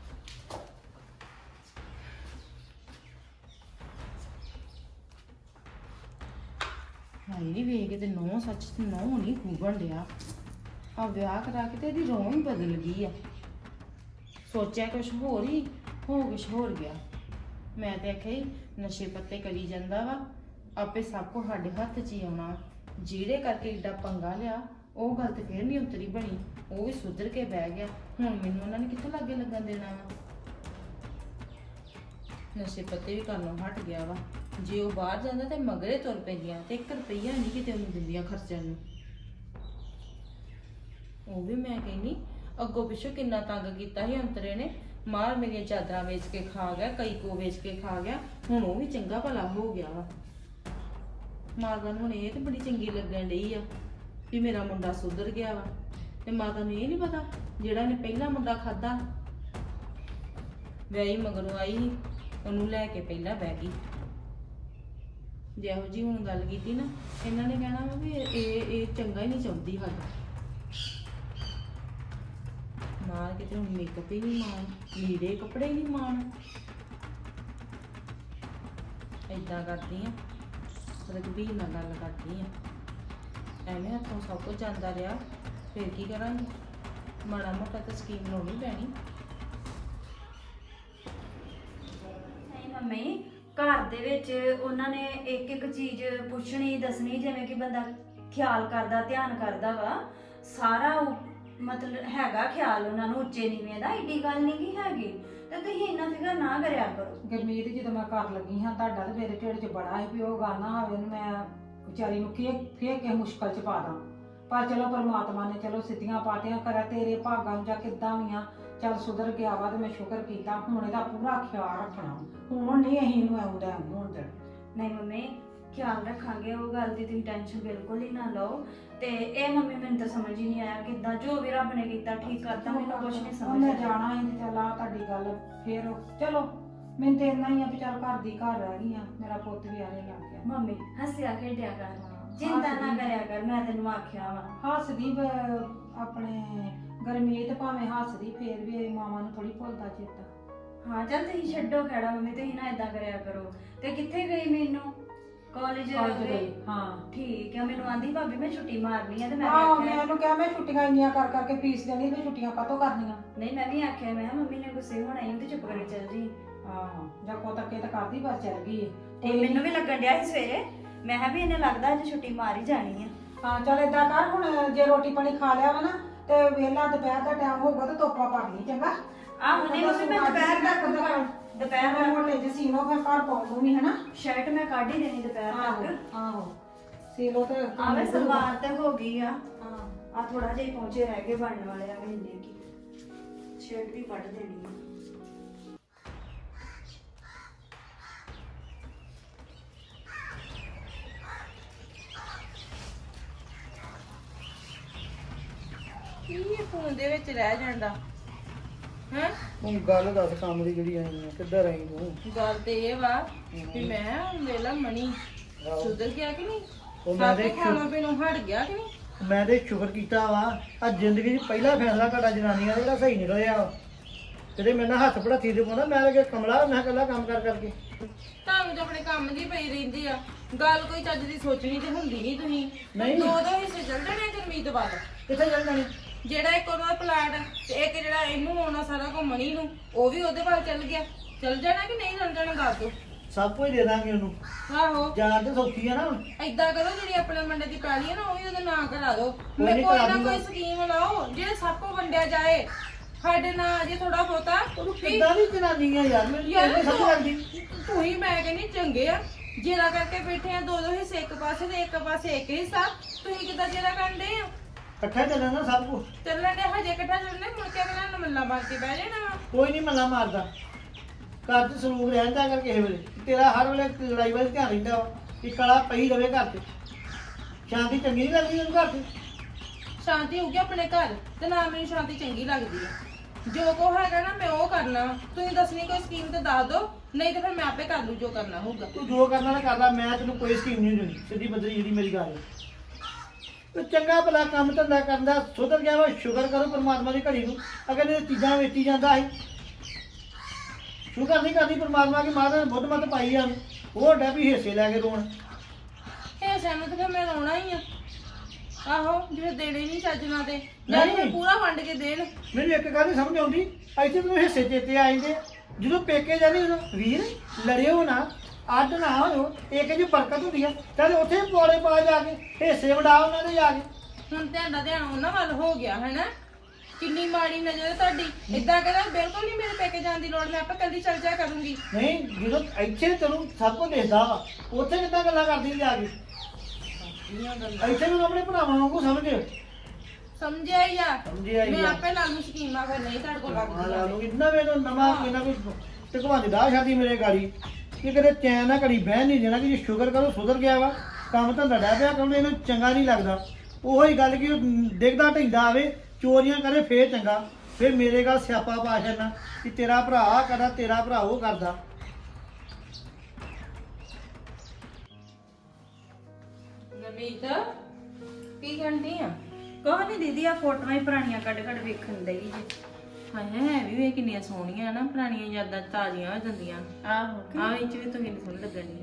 S4: ਹਾਏ ਵੇਖ ਤੇ ਨੌ ਸੱਚ ਨੌ ਨਹੀਂ ਖੂਬਣ ਡਿਆ। ਆ ਵਿਆਹ ਕਰਾ ਕੇ ਤੇ ਇਹਦੀ ਰੋਹ ਹੀ ਬਦਲ ਗਈ ਆ। ਸੋਚਿਆ ਕੁਛ ਹੋਰ ਹੀ ਹੋ ਕੁਛ ਹੋਰ ਗਿਆ। ਮੈਂ ਤੇ ਆਖਿਆ ਹੀ ਨਸ਼ੇ ਪੱਤੇ ਕਰੀ ਜਾਂਦਾ ਵਾ, ਆਪੇ ਸਭ ਕੁਝ ਸਾਡੇ ਹੱਥ 'ਚ ਹੀ ਆਉਣਾ। ਜਿਹੜੇ ਕਰਕੇ ਏਡਾ ਪੰਗਾ ਲਿਆ ਉਹ ਗੱਲ ਤੇ ਫੇਰ ਨਹੀਂ ਉਤਰੀ ਬਣੀ। ਉਹ ਵੀ ਸੁਧਰ ਕੇ ਬਹਿ ਗਿਆ। ਹੁਣ ਮੈਨੂੰ ਉਹਨਾਂ ਨੇ ਕਿੱਥੋਂ ਲਾਗੇ ਲੱਗਣ ਦੇਣਾ ਵਾ। ਨਸ਼ੇ ਪੱਤੇ ਵੀ ਕਰਨੋਂ ਹਟ ਗਿਆ ਵਾ। ਜੇ ਉਹ ਬਾਹਰ ਜਾਂਦਾ ਤੇ ਮਗਰੇ ਤੁਰ ਪੈਂਦੀਆਂ ਤੇ 1 ਰੁਪਈਆ ਨਹੀਂ ਕਿਤੇ ਉਹਨੂੰ ਦਿੰਦੀਆਂ ਖਰਚਣ ਨੂੰ। ਉਹ ਵੀ ਮੈਂ ਕਹਿੰਦੀ ਅੱਗੋਂ ਪਿੱਛੋਂ ਕਿੰਨਾ ਤੰਗ ਕੀਤਾ ਸੀ ਅੰਤਰੇ ਨੇ। ਮਾਰ ਮੇਰੀਆਂ ਚਾਦਰਾਂ ਵੇਚ ਕੇ ਖਾ ਗਿਆ, ਕਈ ਕੋ ਵੇਚ ਕੇ ਖਾ ਗਿਆ। ਹੁਣ ਉਹ ਵੀ ਚੰਗਾ ਭਲਾ ਹੋ ਗਿਆ ਵਾ। ਮਾਤਾ ਨੂੰ ਹੁਣ ਇਹ ਤੇ ਬੜੀ ਚੰਗੀ ਲੱਗਣ ਡਈ ਆ ਵੀ ਮੇਰਾ ਮੁੰਡਾ ਸੁਧਰ ਗਿਆ ਵਾ। ਤੇ ਮਾਤਾ ਨੂੰ ਇਹ ਨਹੀਂ ਪਤਾ ਜਿਹੜਾ ਨੇ ਪਹਿਲਾ ਮੁੰਡਾ ਖਾਦਾ ਵਿਆਹੀ ਮਗਰੋਂ ਆਈ ਸੀ, ਉਹਨੂੰ ਲੈ ਕੇ ਪਹਿਲਾਂ ਬਹਿ ਗਈ। ਜਿਹੋ ਜੀ ਹੁਣ ਗੱਲ ਕੀਤੀ ਨਾ, ਇਹਨਾਂ ਨੇ ਕਹਿਣਾ ਵਾ ਵੀ ਇਹ ਚੰਗਾ ਹੀ ਨਹੀਂ ਚਾਹੁੰਦੀ ਸਾਡਾ। ਮਾਰ ਕਿਤੇ ਹੁਣ ਮੇਕਅਪ ਹੀ ਨਹੀਂ ਮਾਣ, ਲੀੜੇ ਕੱਪੜੇ ਹੀ ਨਹੀਂ ਮਾਣ। ਏਦਾਂ ਕਰਦੀ ਆ, ਰਘਬੀਰ ਨਾਲ ਗੱਲ ਕਰਦੀ ਆ। ਐਵੇਂ ਹੱਥੋਂ ਸਭ ਕੁਝ ਜਾਂਦਾ ਰਿਹਾ, ਫਿਰ ਕੀ ਕਰਾਂਗੇ? ਮਾੜਾ ਮੋਟਾ ਤਾਂ ਸਕੀਮ ਲਾਉਣੀ ਪੈਣੀ।
S3: ਨਹੀਂ ਮੰਮੀ ਘਰ ਦੇ ਵਿੱਚ ਉਹਨਾਂ ਨੇ ਇੱਕ ਇੱਕ ਚੀਜ਼ ਪੁੱਛਣੀ ਦੱਸਣੀ, ਜਿਵੇਂ ਕਿ ਬੰਦਾ ਖਿਆਲ ਕਰਦਾ ਧਿਆਨ ਕਰਦਾ ਵਾ ਸਾਰਾ। ਮਤਲਬ ਹੈਗਾ ਖਿਆਲ ਉਹਨਾਂ ਨੂੰ ਉੱਚੇ ਨੀਵੇਂ ਦਾ, ਏਡੀ ਗੱਲ ਨਹੀਂ ਕੀ ਹੈਗੀ। ਤੇ ਤੁਸੀਂ ਇੰਨਾ ਫਿਕਰ ਨਾ ਕਰਿਆ ਕਰੋ।
S2: ਗੁਰਮੀਤ ਜਦੋਂ ਮੈਂ ਕਰ ਲੱਗੀ ਹਾਂ ਤੁਹਾਡਾ ਤੇ ਮੇਰੇ ਢਿੱਡ 'ਚ ਬੜਾ ਸੀ ਵੀ ਉਹ ਗੱਲ ਨਾ ਹੋਵੇ, ਉਹਨੂੰ ਮੈਂ ਵਿਚਾਰੀ ਨੂੰ ਫੇਰ ਕਿਸੇ ਮੁਸ਼ਕਲ 'ਚ ਪਾ ਦਾਂ। ਪਰ ਚਲੋ ਪਰਮਾਤਮਾ ਨੇ ਚਲੋ ਸਿੱਧੀਆਂ ਪਾਤੀਆਂ ਕਰਿਆ ਤੇਰੇ ਭਾਗਾਂ ਨੂੰ ਜਾਂ ਕਿੱਦਾਂ ਵੀ ਆ। ਚੱਲ ਸੁਧਰ ਗਿਆ ਵਾ ਤੇ ਮੈਂ ਸ਼ੁਕਰ ਕੀਤਾ। ਹੁਣ ਇਹਦਾ ਪੂਰਾ ਖਿਆਲ ਰੱਖਣਾ। ਹੁਣ ਨਹੀਂ ਅਸੀਂ ਇਹਨੂੰ ਆਉਂਦਾ ਹੋਣ ਦੇਣਾ।
S3: ਨਹੀਂ ਮੰਮੀ ਖਿਆਲ ਰੱਖਾਂਗੇ, ਉਹ ਗੱਲ ਦੀ ਤੁਸੀਂ ਟੈਨਸ਼ਨ ਬਿਲਕੁਲ ਹੀ ਨਾ ਲਓ। ਤੇ ਇਹ ਮੰਮੀ ਮੈਨੂੰ ਤਾਂ ਸਮਝ ਹੀ ਨਹੀਂ ਆਇਆ ਕਿੱਦਾਂ, ਜੋ ਵੀ ਰੱਬ ਨੇ ਕੀਤਾ ਠੀਕ ਕਰਤਾ, ਮੈਨੂੰ ਕੁਝ ਨਹੀਂ ਸਮਝ
S2: ਮੈਂ
S3: ਆਇਆ।
S2: ਜਾਣਾ ਹੀ ਤੇ ਚੱਲ ਆ ਤੁਹਾਡੀ ਗੱਲ ਫੇਰ ਚਲੋ ਮੈਨੂੰ ਤੇ ਇੰਨਾ ਹੀ ਆ ਵੀ ਚੱਲ ਘਰ ਦੀ ਘਰ ਰਹਿ ਗਈ ਆ। ਮੇਰਾ ਪੁੱਤ ਵੀ ਆਣੇ ਲੱਗ ਗਿਆ।
S3: ਮੰਮੀ ਹੱਸਿਆ ਖੇਡਿਆ ਕਰ, ਚਿੰਤਾ ਨਾ ਕਰਿਆ ਕਰ, ਮੈਂ ਤੈਨੂੰ ਆਖਿਆ ਵਾ।
S2: ਹੱਸਦੀ ਆਪਣੇ ਗਰਮੀਤ ਭਾਵੇਂ ਹੱਸਦੀ ਫੇਰ ਵੀ ਮਾਵਾਂ ਨੂੰ ਥੋੜੀ ਭੁੱਲਦਾ ਚੇਤਾ।
S3: ਹਾਂ ਚੱਲ ਤੁਸੀਂ ਛੱਡੋ ਖੜਾ ਮੰਮੀ, ਤੁਸੀਂ ਨਾ ਏਦਾਂ ਕਰਿਆ ਕਰੋ। ਤੇ ਕਿੱਥੇ ਗਈ ਮੈਨੂੰ? ਕਾਲਜ
S2: ਗਈ ਹਾਂ।
S3: ਠੀਕ ਆ, ਮੈਨੂੰ ਆਂਦੀ ਭਾਬੀ ਮੈਂ ਛੁੱਟੀ ਮਾਰਨੀ ਆ ਤੇ ਮੈਂ
S2: ਆਹੋ
S3: ਆਖਿਆ
S2: ਮੈਂ ਉਹਨੂੰ ਕਿਹਾ ਮੈਂ ਛੁੱਟੀਆਂ ਇੰਨੀਆਂ ਕਰ ਕਰਕੇ ਫੀਸ ਦੇਣੀ ਵੀ ਛੁੱਟੀਆਂ ਕਾਹਤੋਂ ਕਰਨੀਆਂ।
S3: ਨਹੀਂ ਮੈਂ ਵੀ ਆਖਿਆ, ਮੈਂ ਕਿਹਾ ਮੰਮੀ ਨੇ ਗੁੱਸੇ ਹੋਣਾ ਹੀ ਤੇ ਚੁੱਪ ਕਰਕੇ ਚੱਲ ਜੀ।
S2: ਆਹੋ ਜਾਂ ਕੋ ਤੱਕੇ ਤਾਂ ਕਰਦੀ ਪਰ ਚੱਲ ਗਈ ਏ।
S3: ਤੇ ਮੈਨੂੰ ਵੀ ਲੱਗਣ ਡਿਆ ਸੀ ਸਵੇਰੇ, ਮੈਂ ਕਿਹਾ ਵੀ ਇਹਨੇ ਲੱਗਦਾ ਅੱਜ ਛੁੱਟੀ ਮਾਰ ਹੀ ਜਾਣੀ ਆ।
S2: ਹਾਂ ਚੱਲ ਏਦਾਂ ਕਰ, ਹੁਣ ਜੇ ਰੋਟੀ ਪਾਣੀ ਖਾ ਲਿਆ ਵਾ ਨਾ ਤੇ ਵੇਲਾ ਦੁਪਹਿਰ ਦਾ ਟਾਈਮ ਹੋਊਗਾ ਤੇ ਤੋਪਾ ਭਰ ਲਈ ਚੰਗਾ।
S3: ਆਹੋ ਨਹੀਂ ਮੰਮੀ ਮੈਂ ਦੁਪਹਿਰ
S2: ਦੁਪਹਿਰ ਮੋਟੇ ਜਿਹੇ ਸੀਨੋ ਫਿਰ ਘਰ ਪਾਉਣ ਨੂੰ ਵੀ ਹਨਾ।
S3: ਸ਼ਰਟ ਮੈਂ ਕੱਢ ਹੀ ਦੇਣੀ ਦੁਪਹਿਰ ਤੱਕ।
S2: ਆਹੋ ਸੀਲੋ ਤੇ
S3: ਆਵੇ ਸਲਵਾਰ ਤੇ ਹੋ ਗਈ ਆ ਹਾਂ ਆ ਥੋੜਾ ਜਿਹਾ ਹੀ ਪਹੁੰਚੇ ਰਹਿ ਗਏ ਬਣਨ ਵਾਲੇ ਆ ਵੇਲੇ ਕੀ ਸ਼ਰਟ ਵੀ ਕੱਢ ਦੇਣੀ ਆ
S4: ਕੀ ਇਹ ਫੋਨ ਦੇ ਵਿੱਚ ਰਹਿ ਜਾਂਦਾ ਹੈ?
S5: ਹੁਣ ਗੱਲ ਦੱਸ ਕੰਮ ਦੀ ਜਿਹੜੀ ਆਈ ਹੈ ਕਿੱਧਰ ਆਈ ਤੂੰ?
S4: ਗੱਲ ਤੇ ਇਹ ਵਾ ਵੀ ਮੈਂ ਵੇਲਾ ਮਣੀ ਸੁਧਰ ਗਿਆ ਕਿ ਨਹੀਂ?
S5: ਉਹ ਮੈਂ
S4: ਸਭ
S5: ਤੇ
S4: ਖਾਣਾ ਪੀਣਾ ਹਟ ਗਿਆ ਕਿ ਨਹੀਂ?
S5: ਮੈਂ ਤੇ ਸ਼ੁਕਰ ਕੀਤਾ ਵਾ ਆ ਜ਼ਿੰਦਗੀ 'ਚ ਪਹਿਲਾ ਫੈਸਲਾ ਤੁਹਾਡਾ ਜਨਾਨੀਆਂ ਦਾ ਜਿਹੜਾ ਸਹੀ ਨਿਕਲਿਆ ਵਾ ਜਿਹੜੇ ਮੇਰੇ ਨਾਲ ਹੱਥ ਪੜਾਤੀ ਦੇ ਪਾਉਂਦਾ ਮੈਂ ਲੱਗੇ ਕਮਲਾ ਮੈਂ ਇਕੱਲਾ ਕੰਮ ਕਰ ਕਰਕੇ
S4: ਤੁਹਾਨੂੰ ਤਾਂ ਆਪਣੇ ਕੰਮ ਦੀ ਪਈ ਰਹਿੰਦੀ ਆ ਗੱਲ ਕੋਈ ਚੱਜ ਦੀ ਸੋਚਣੀ ਤੇ ਹੁੰਦੀ ਨਹੀਂ ਤੁਸੀਂ
S5: ਨਹੀਂ।
S4: ਦੋ ਦੋ ਹਿੱਸੇ ਚੱਲ ਜਾਣੇ ਗੁਰਮੀਤ ਵੱਲ
S5: ਕਿੱਥੇ ਚੱਲ ਜਾਣੀ?
S4: ਜਿਹੜਾ ਇੱਕ ਉਹਦਾ ਪਲਾਟ ਤੇ ਇੱਕ ਜਿਹੜਾ ਇਹਨੂੰ ਆਉਣਾ ਸਾਰਾ ਘੁੰਮਣੀ ਨੂੰ ਉਹ ਵੀ ਉਹਦੇ ਵੱਲ ਚੱਲ ਗਿਆ ਚੱਲ ਜਾਣਾ ਕਿ ਨਹੀਂ ਚੱਲ ਜਾਣਾ ਦੱਸ ਦੋ
S5: ਸਭ ਕੁਝ ਦੇ ਦਾਂਗੇ ਉਹਨੂੰ
S4: ਆਹੋ
S5: ਜਾਣ ਤੇ ਸੌਖੀ ਆ ਨਾ ਹੁਣ।
S4: ਏਦਾਂ ਕਰੋ ਜਿਹੜੀ ਆਪਣੇ ਮੁੰਡੇ ਦੀ ਪੈਲੀ ਹੈ ਨਾ ਉਹ ਵੀ ਉਹਦੇ ਨਾਂ ਕਰਾ ਦਿਓ
S5: ਕੋਈ
S4: ਮੈਂ
S5: ਨੀ
S4: ਕੋਈ
S5: ਕਰਾ
S4: ਨਾ
S5: ਦੂੰਗਾ।
S4: ਕੋਈ ਸਕੀਮ ਲਾਓ ਜਿਹੜੇ ਸਭ ਕੋ ਵੰਡਿਆ ਜਾਏ ਸਾਡੇ ਨਾਂ ਅਜੇ ਥੋੜਾ ਬਹੁਤਾ
S5: ਉਹਨੂੰ
S4: ਵੀ
S5: ਕਿੱਦਾਂ ਦੀ ਜਨਾਨੀ ਆ ਯਾਰ ਮੈਨੂੰ
S4: ਯਾਰ
S5: ਇਹ ਸਮਝ ਲੱਗਦੀ
S4: ਤੂੰ ਹੀ ਮੈਂ ਕਹਿੰਦੀ ਚੰਗੇ ਆ ਜੇਰਾ ਕਰਕੇ ਬੈਠੇ ਆ ਦੋ ਦੋ ਹਿੱਸੇ ਇੱਕ ਪਾਸੇ ਤੇ ਇੱਕ ਪਾਸੇ ਇੱਕ ਹਿੱਸਾ ਤੁਸੀਂ ਕਿੱਦਾਂ ਜੇਰਾ ਕਰਦੇ ਆ
S5: ਇਕੱਠਾ ਚੱਲਣਾ ਸਭ ਕੁਝ।
S4: ਚੱਲਣ ਦੇ ਹਜੇ ਇਕੱਠਾ ਚੱਲਣੇ ਮੁੜ ਕੇ ਅਗਲਾ ਨੂੰ ਮੱਲਾ ਮਾਰ ਕੇ ਬਹਿ ਜਾਣਾ ਵਾ।
S5: ਕੋਈ ਨਹੀਂ ਮੱਲਾ ਮਾਰਦਾ ਘਰ 'ਚ ਸਲੂਕ ਰਹਿੰਦਾ ਕਰ ਕਿਸੇ ਵੇਲੇ ਤੇਰਾ ਹਰ ਵੇਲੇ ਲੜਾਈ ਵੱਲ ਧਿਆਨ ਰਹਿੰਦਾ ਵਾ ਕਿ ਕਲਾ ਪਈ ਰਵੇ ਘਰ 'ਚ ਸ਼ਾਂਤੀ ਚੰਗੀ ਨਹੀਂ ਲੱਗਦੀ ਉਹਨੂੰ ਘਰ 'ਚ।
S4: ਸ਼ਾਂਤੀ ਹੋਊਗੀ ਆਪਣੇ ਘਰ ਤੇ ਨਾ ਮੈਨੂੰ ਸ਼ਾਂਤੀ ਚੰਗੀ ਲੱਗਦੀ ਆ ਜੋ ਕੋ ਹੈਗਾ ਨਾ ਮੈਂ ਉਹ ਕਰਨਾ ਵਾ। ਤੁਸੀਂ ਦੱਸਣੀ ਕੋਈ ਸਕੀਮ ਤੇ ਦੱਸ ਦਿਓ ਨਹੀਂ ਤੇ ਫਿਰ ਮੈਂ ਆਪੇ ਕਰ ਲੂ ਜੋ ਕਰਨਾ ਹੋਊਗਾ
S5: ਤੂੰ ਜੋ ਕਰਨਾ ਨਾ ਕਰਦਾ ਮੈਂ ਤੈਨੂੰ ਕੋਈ ਸਕੀਮ ਨਹੀਂ ਦੇਣੀ ਸਿੱਧੀ ਬੱਦਰੀ ਜਿਹੜੀ ਮੇਰੀ ਗੱਲ ਹੈ ਤੂੰ ਚੰਗਾ ਭਲਾ ਕੰਮ ਧੰਦਾ ਕਰਦਾ ਸੁਧਰ ਗਿਆ ਵਾ ਸ਼ੁਕਰ ਕਰੋ ਪਰਮਾਤਮਾ ਦੀ ਘੜੀ ਨੂੰ ਅਗਰ ਇਹ ਚੀਜ਼ਾਂ ਵੇਚੀ ਜਾਂਦਾ ਸੀ ਸ਼ੁਕਰ ਨਹੀਂ ਕਰਦੀ ਪਰਮਾਤਮਾ ਕੀ ਮਾਤਾ ਨੇ ਬੁੱਧ ਮਤ ਪਾਈ ਆ ਉਹ ਡਾ ਵੀ ਹਿੱਸੇ ਲੈ ਕੇ ਰੋਣ
S4: ਇਹ ਸਹਿਮਤ ਤੇ ਫਿਰ ਮੈਂ ਰੋਣਾ ਹੀ ਆ ਆਹੋ ਜਿਵੇਂ ਦੇਣੇ ਨਹੀਂ ਚੱਜ ਨਾਲ ਤੇ ਜਾਂ
S5: ਨਹੀਂ।
S4: ਫਿਰ ਪੂਰਾ ਵੰਡ ਕੇ ਦੇਣ
S5: ਮੈਨੂੰ ਇੱਕ ਗੱਲ ਨੀ ਸਮਝ ਆਉਂਦੀ ਇੱਥੇ ਮੈਨੂੰ ਹਿੱਸੇ ਚੇਤੇ ਆ ਜਾਂਦੇ ਜਦੋਂ ਪੇਕੇ ਜਾਂਦੇ ਉਦੋਂ ਵੀਰ ਲੜਿਓ ਨਾ ਅੱਡ ਨਾ ਹੋਇਓ ਇੱਕ ਜੀ ਬਰਕਤ ਹੁੰਦੀ ਆ ਚੱਲ ਉੱਥੇ ਪੌੜੇ ਪਾ ਜਾ ਕੇ ਹਿੱਸੇ ਵੰਡਾ ਉਹਨਾਂ ਦੇ ਜਾ ਕੇ
S4: ਹੁਣ ਤੁਹਾਡਾ ਧਿਆਨ ਉਹਨਾਂ ਵੱਲ ਹੋ ਗਿਆ ਹੈਨਾ ਕਿੰਨੀ ਮਾੜੀ ਨਜ਼ਰ ਹੈ ਤੁਹਾਡੀ ਇਦਾਂ ਕਹਿੰਦਾ ਬਿਲਕੁਲ ਨਹੀਂ ਮੇਰੇ ਪੇਕੇ ਜਾਣ ਦੀ ਲੋੜ ਮੈਂ ਆਪੇ ਕੱਲੀ ਚੱਲ ਜਾ ਕਰੂੰਗੀ
S5: ਨਹੀਂ ਜਦੋਂ ਇੱਥੇ ਤੈਨੂੰ ਸਭ ਕੁਝ ਦੇਖਦਾ ਵਾ ਉੱਥੇ ਕਿੱਦਾਂ ਗੱਲਾਂ ਕਰਦੀ ਜਾ ਕੇ ਇੱਥੇ ਨੂੰ ਆਪਣੇ ਭਰਾਵਾਂ ਵਾਂਗੂ ਸਮਝ
S4: ਸਮਝਿਆ ਹੀ ਆ
S5: ਸਮਝਿਆ ਹੀ
S4: ਮੈਂ
S5: ਆ।
S4: ਆਪੇ ਲਾ ਲੂ ਸਕੀਮਾਂ ਫਿਰ ਨਹੀਂ ਤੁਹਾਡੇ ਕੋਲ
S5: ਲਾ
S4: ਲੱਗਦੀ
S5: ਲਓ ਇੰਨਾ ਵੇ ਨਵਾਂ ਕੋਈ ਨਾ ਕੋਈ ਟਕਵਾਂ ਦਾ ਸ਼ਾਦੀ ਮੇਰੇ ਗਾੜੀ ਕਿ ਕਦੇ ਚੈਨ ਨਾ ਘੜੀ ਬਹਿ ਨਹੀਂ ਦੇਣਾ ਕਿ ਜੇ ਸ਼ੁਕਰ ਕਰੋ ਸੁਧਰ ਗਿਆ ਵਾ ਕੰਮ ਧੰਦਾ ਡਹਿ ਪਿਆ ਕਹਿੰਦੇ ਇਹਨੂੰ ਚੰਗਾ ਨਹੀਂ ਲੱਗਦਾ ਉਹੀ ਗੱਲ ਕਿ ਉਹ ਡਿੱਗਦਾ ਢਿੰਦਾ ਆਵੇ ਚੋਰੀਆਂ ਕਰੇ ਫੇਰ ਚੰਗਾ ਫਿਰ ਮੇਰੇ ਗੱਲ ਸਿਆਪਾ ਪਾ ਛੱਡਣਾ ਕਿ ਤੇਰਾ ਭਰਾ ਆਹ ਕਰਦਾ ਤੇਰਾ ਭਰਾ ਉਹ ਕਰਦਾ
S4: ਨਮੀਤ ਕੀ ਕਰਦੀ ਆ
S3: ਕੋਹ ਨਹੀਂ ਦੀਦੀ ਆ ਫੋਟੋਆਂ ਹੀ ਪੁਰਾਣੀਆਂ ਕੱਢ ਕੱਢ ਵੇਖਣ ਦਈ ਜੀ
S4: ਹਾਏ ਹੈ ਵੀ ਵੇ ਕਿੰਨੀਆਂ ਸੋਹਣੀਆਂ ਨਾ ਪੁਰਾਣੀਆਂ ਯਾਦਾਂ ਤਾਜ਼ੀਆਂ ਹੋ ਜਾਂਦੀਆਂ
S3: ਆਹੋ
S4: ਆਹ ਵਿੱਚ ਵੀ ਤੁਹਾਨੂੰ ਸੋਹਣੀ ਲੱਗਣੀ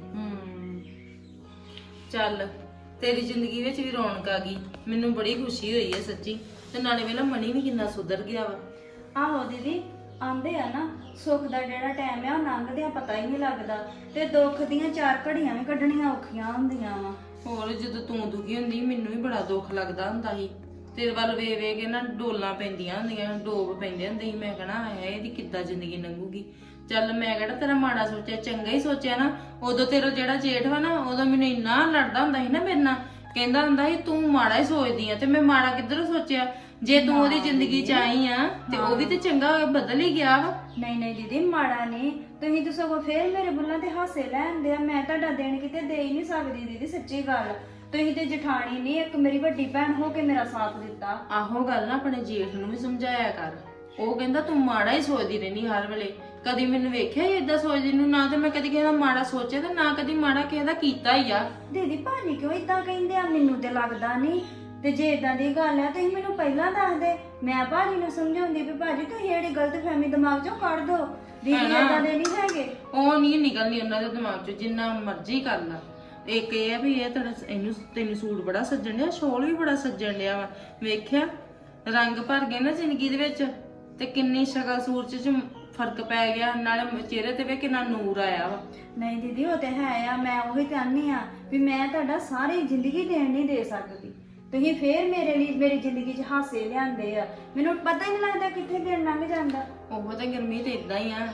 S4: ਚੱਲ ਤੇਰੀ ਜ਼ਿੰਦਗੀ ਵਿੱਚ ਵੀ ਰੌਣਕ ਆ ਗਈ ਮੈਨੂੰ ਬੜੀ ਖੁਸ਼ੀ ਹੋਈ ਹੈ ਸੱਚੀ ਤੇ ਨਾਲੇ ਵੇਲਾ ਮਣੀ ਵੀ ਕਿੰਨਾ ਸੁਧਰ ਗਿਆ ਵਾ
S3: ਆਹੋ ਦੀਦੀ ਆਂਦੇ ਆ ਨਾ ਸੁੱਖ ਦਾ ਜਿਹੜਾ ਟਾਈਮ ਆ ਉਹ ਲੰਘਦਿਆਂ ਪਤਾ ਹੀ ਨਹੀਂ ਲੱਗਦਾ ਤੇ ਦੁੱਖ ਦੀਆਂ ਚਾਰ ਘੜੀਆਂ ਵੀ ਕੱਢਣੀਆਂ ਔਖੀਆਂ ਹੁੰਦੀਆਂ ਵਾ
S4: ਹੋਰ ਜਦੋਂ ਤੂੰ ਦੁਖੀ ਹੁੰਦੀ ਮੈਨੂੰ ਵੀ ਬੜਾ ਦੁੱਖ ਲੱਗਦਾ ਹੁੰਦਾ ਸੀ ਤੇਰੇ ਵੱਲ ਵੇ ਵੇ ਕੇ ਨਾ ਡੋਲਾਂ ਪੈਂਦੀਆਂ ਹੁੰਦੀਆਂ ਡੋਬ ਪੈਂਦੇ ਹੁੰਦੇ ਸੀ ਮੈਂ ਕਹਣਾ ਹੈ ਇਹਦੀ ਕਿੱਦਾਂ ਜ਼ਿੰਦਗੀ ਲੰਘੂਗੀ ਚੱਲ ਮੈਂ ਕਿਹੜਾ ਤੇਰਾ ਮਾੜਾ ਸੋਚਿਆ ਚੰਗਾ ਹੀ ਸੋਚਿਆ ਨਾ ਉਦੋਂ ਤੇਰਾ ਜਿਹੜਾ ਜੇਠ ਵਾ ਨਾ ਉਦੋਂ ਮੈਨੂੰ ਇੰਨਾ ਲੜਦਾ ਹੁੰਦਾ ਸੀ ਨਾ ਮੇਰੇ ਨਾਲ ਕਹਿੰਦਾ ਹੁੰਦਾ ਸੀ ਤੂੰ ਮਾੜਾ ਹੀ ਸੋਚਦੀ ਆ ਤੇ ਮੈਂ ਮਾੜਾ ਕਿੱਧਰੋਂ ਸੋਚਿਆ ਜੇ ਤੂੰ ਉਹਦੀ ਜ਼ਿੰਦਗੀ ਚ ਆਈ ਆ ਤੇ ਉਹ ਵੀ ਤੇ ਚੰਗਾ ਬਦਲ ਹੀ ਗਿਆ ਵਾ
S3: ਨਹੀਂ ਨਹੀਂ ਦੀਦੀ ਮਾੜਾ ਨਹੀਂ ਤੁਸੀਂ ਤਾਂ ਸਗੋਂ ਫੇਰ ਮੇਰੇ ਬੁੱਲਾਂ ਤੇ ਹਾਸੇ ਲੈਂਦੇ ਆ ਮੈਂ ਤੁਹਾਡਾ ਦੇਣ ਕਿਤੇ ਦੇ ਹੀ ਨਹੀਂ ਸਕਦੀ ਦੀਦੀ ਸੱਚੀ ਗੱਲ ਤੁਸੀਂ ਤੇ ਜਠਾਣੀ ਨਹੀਂ ਇੱਕ ਮੇਰੀ ਵੱਡੀ ਭੈਣ ਹੋ ਕੇ ਮੇਰਾ ਸਾਥ ਦਿੱਤਾ
S4: ਆਹੋ ਗੱਲ ਨਾ ਆਪਣੇ ਜੇਠ ਨੂੰ ਵੀ ਸਮਝਾਇਆ ਕਰ ਉਹ ਕਹਿੰਦਾ ਤੂੰ ਮਾੜਾ ਹੀ ਸੋਚਦੀ ਰਹਿੰਦੀ ਹਰ ਵੇਲੇ ਕਦੀ ਮੈਨੂੰ ਵੇਖਿਆ ਹੀ ਏਦਾਂ ਸੋਚਦੀ ਨੂੰ ਨਾ ਤੇ ਮੈਂ ਕਦੀ ਕਿਸੇ ਦਾ ਮਾੜਾ ਸੋਚਿਆ ਤੇ ਨਾ ਕਦੀ ਮਾੜਾ ਕਿਸੇ ਦਾ ਕੀਤਾ ਹੀ ਆ
S3: ਦੀਦੀ ਭਾਜੀ ਕਿਉਂ ਇਦਾਂ ਕਹਿੰਦੇ ਆ ਮੈਨੂੰ ਤੇ ਲੱਗਦਾ ਨਹੀਂ ਤੇ ਜੇ ਇਦਾਂ ਦੀ ਗੱਲ ਆ ਤੁਸੀਂ ਮੈਨੂੰ ਪਹਿਲਾਂ ਦੱਸ ਦੇ ਮੈਂ ਭਾਜੀ ਨੂੰ ਸਮਝਾਉਂਦੀ ਵੀ ਭਾਜੀ ਤੁਸੀਂ ਜਿਹੜੀ ਗਲਤਫਹਿਮੀ ਦਿਮਾਗ ਚੋਂ ਕੱਢ ਦੋ ਦੀਦੀ ਇਦਾਂ ਦੇ ਨਹੀਂ ਹੈਗੇ
S4: ਉਹ ਨਹੀਂ ਨਿਕਲਣੀ ਉਹਨਾਂ ਦੇ ਦਿਮਾਗ ਚੋਂ ਜਿੰਨਾ ਮਰਜ਼ੀ ਕਰ ਲਾ ਇੱਕ ਇਹ ਆ ਵੀ ਇਹ ਇਹਨੂੰ ਤੈਨੂੰ ਸੂਟ ਬੜਾ ਸੱਜਣ ਡਿਆ ਸ਼ੋਲ ਵੀ ਬੜਾ ਸੱਜਣ ਡਿਆ ਵਾ ਵੇਖਿਆ ਰੰਗ ਭਰ ਗਏ ਨਾ ਜ਼ਿੰਦਗੀ ਦੇ ਵਿੱਚ ਤੇ ਕਿੰਨੀ ਸ਼ਕਲ ਸੂਰਤ ਚ ਫਰਕ ਪੈ ਗਿਆ ਨਾਲੇ ਚਿਹਰੇ ਤੇ ਵੇ ਕਿੰਨਾ ਨੂਰ ਆਇਆ ਵਾ
S3: ਨਹੀਂ ਦੀਦੀ ਉਹ ਤੇ ਹੈ ਆ ਮੈਂ ਉਹੀ ਚਾਹੁੰਦੀ ਆ ਵੀ ਮੈਂ ਤੁਹਾਡਾ ਸਾਰੀ ਜ਼ਿੰਦਗੀ ਦੇਣ ਨਹੀਂ ਦੇ ਸਕਦੀ ਤੁਸੀਂ ਫੇਰ ਮੇਰੇ ਲਈ ਮੇਰੀ ਜ਼ਿੰਦਗੀ 'ਚ ਹਾਸੇ ਲਿਆਂਦੇ ਆ ਮੈਨੂੰ ਪਤਾ ਹੀ ਨਹੀਂ ਲੱਗਦਾ ਕਿੱਥੇ ਦਿਨ ਲੰਘ ਜਾਂਦਾ
S4: ਉਹ ਤਾਂ ਗਰਮੀ ਤੇ ਇਦਾਂ ਹੀ ਆ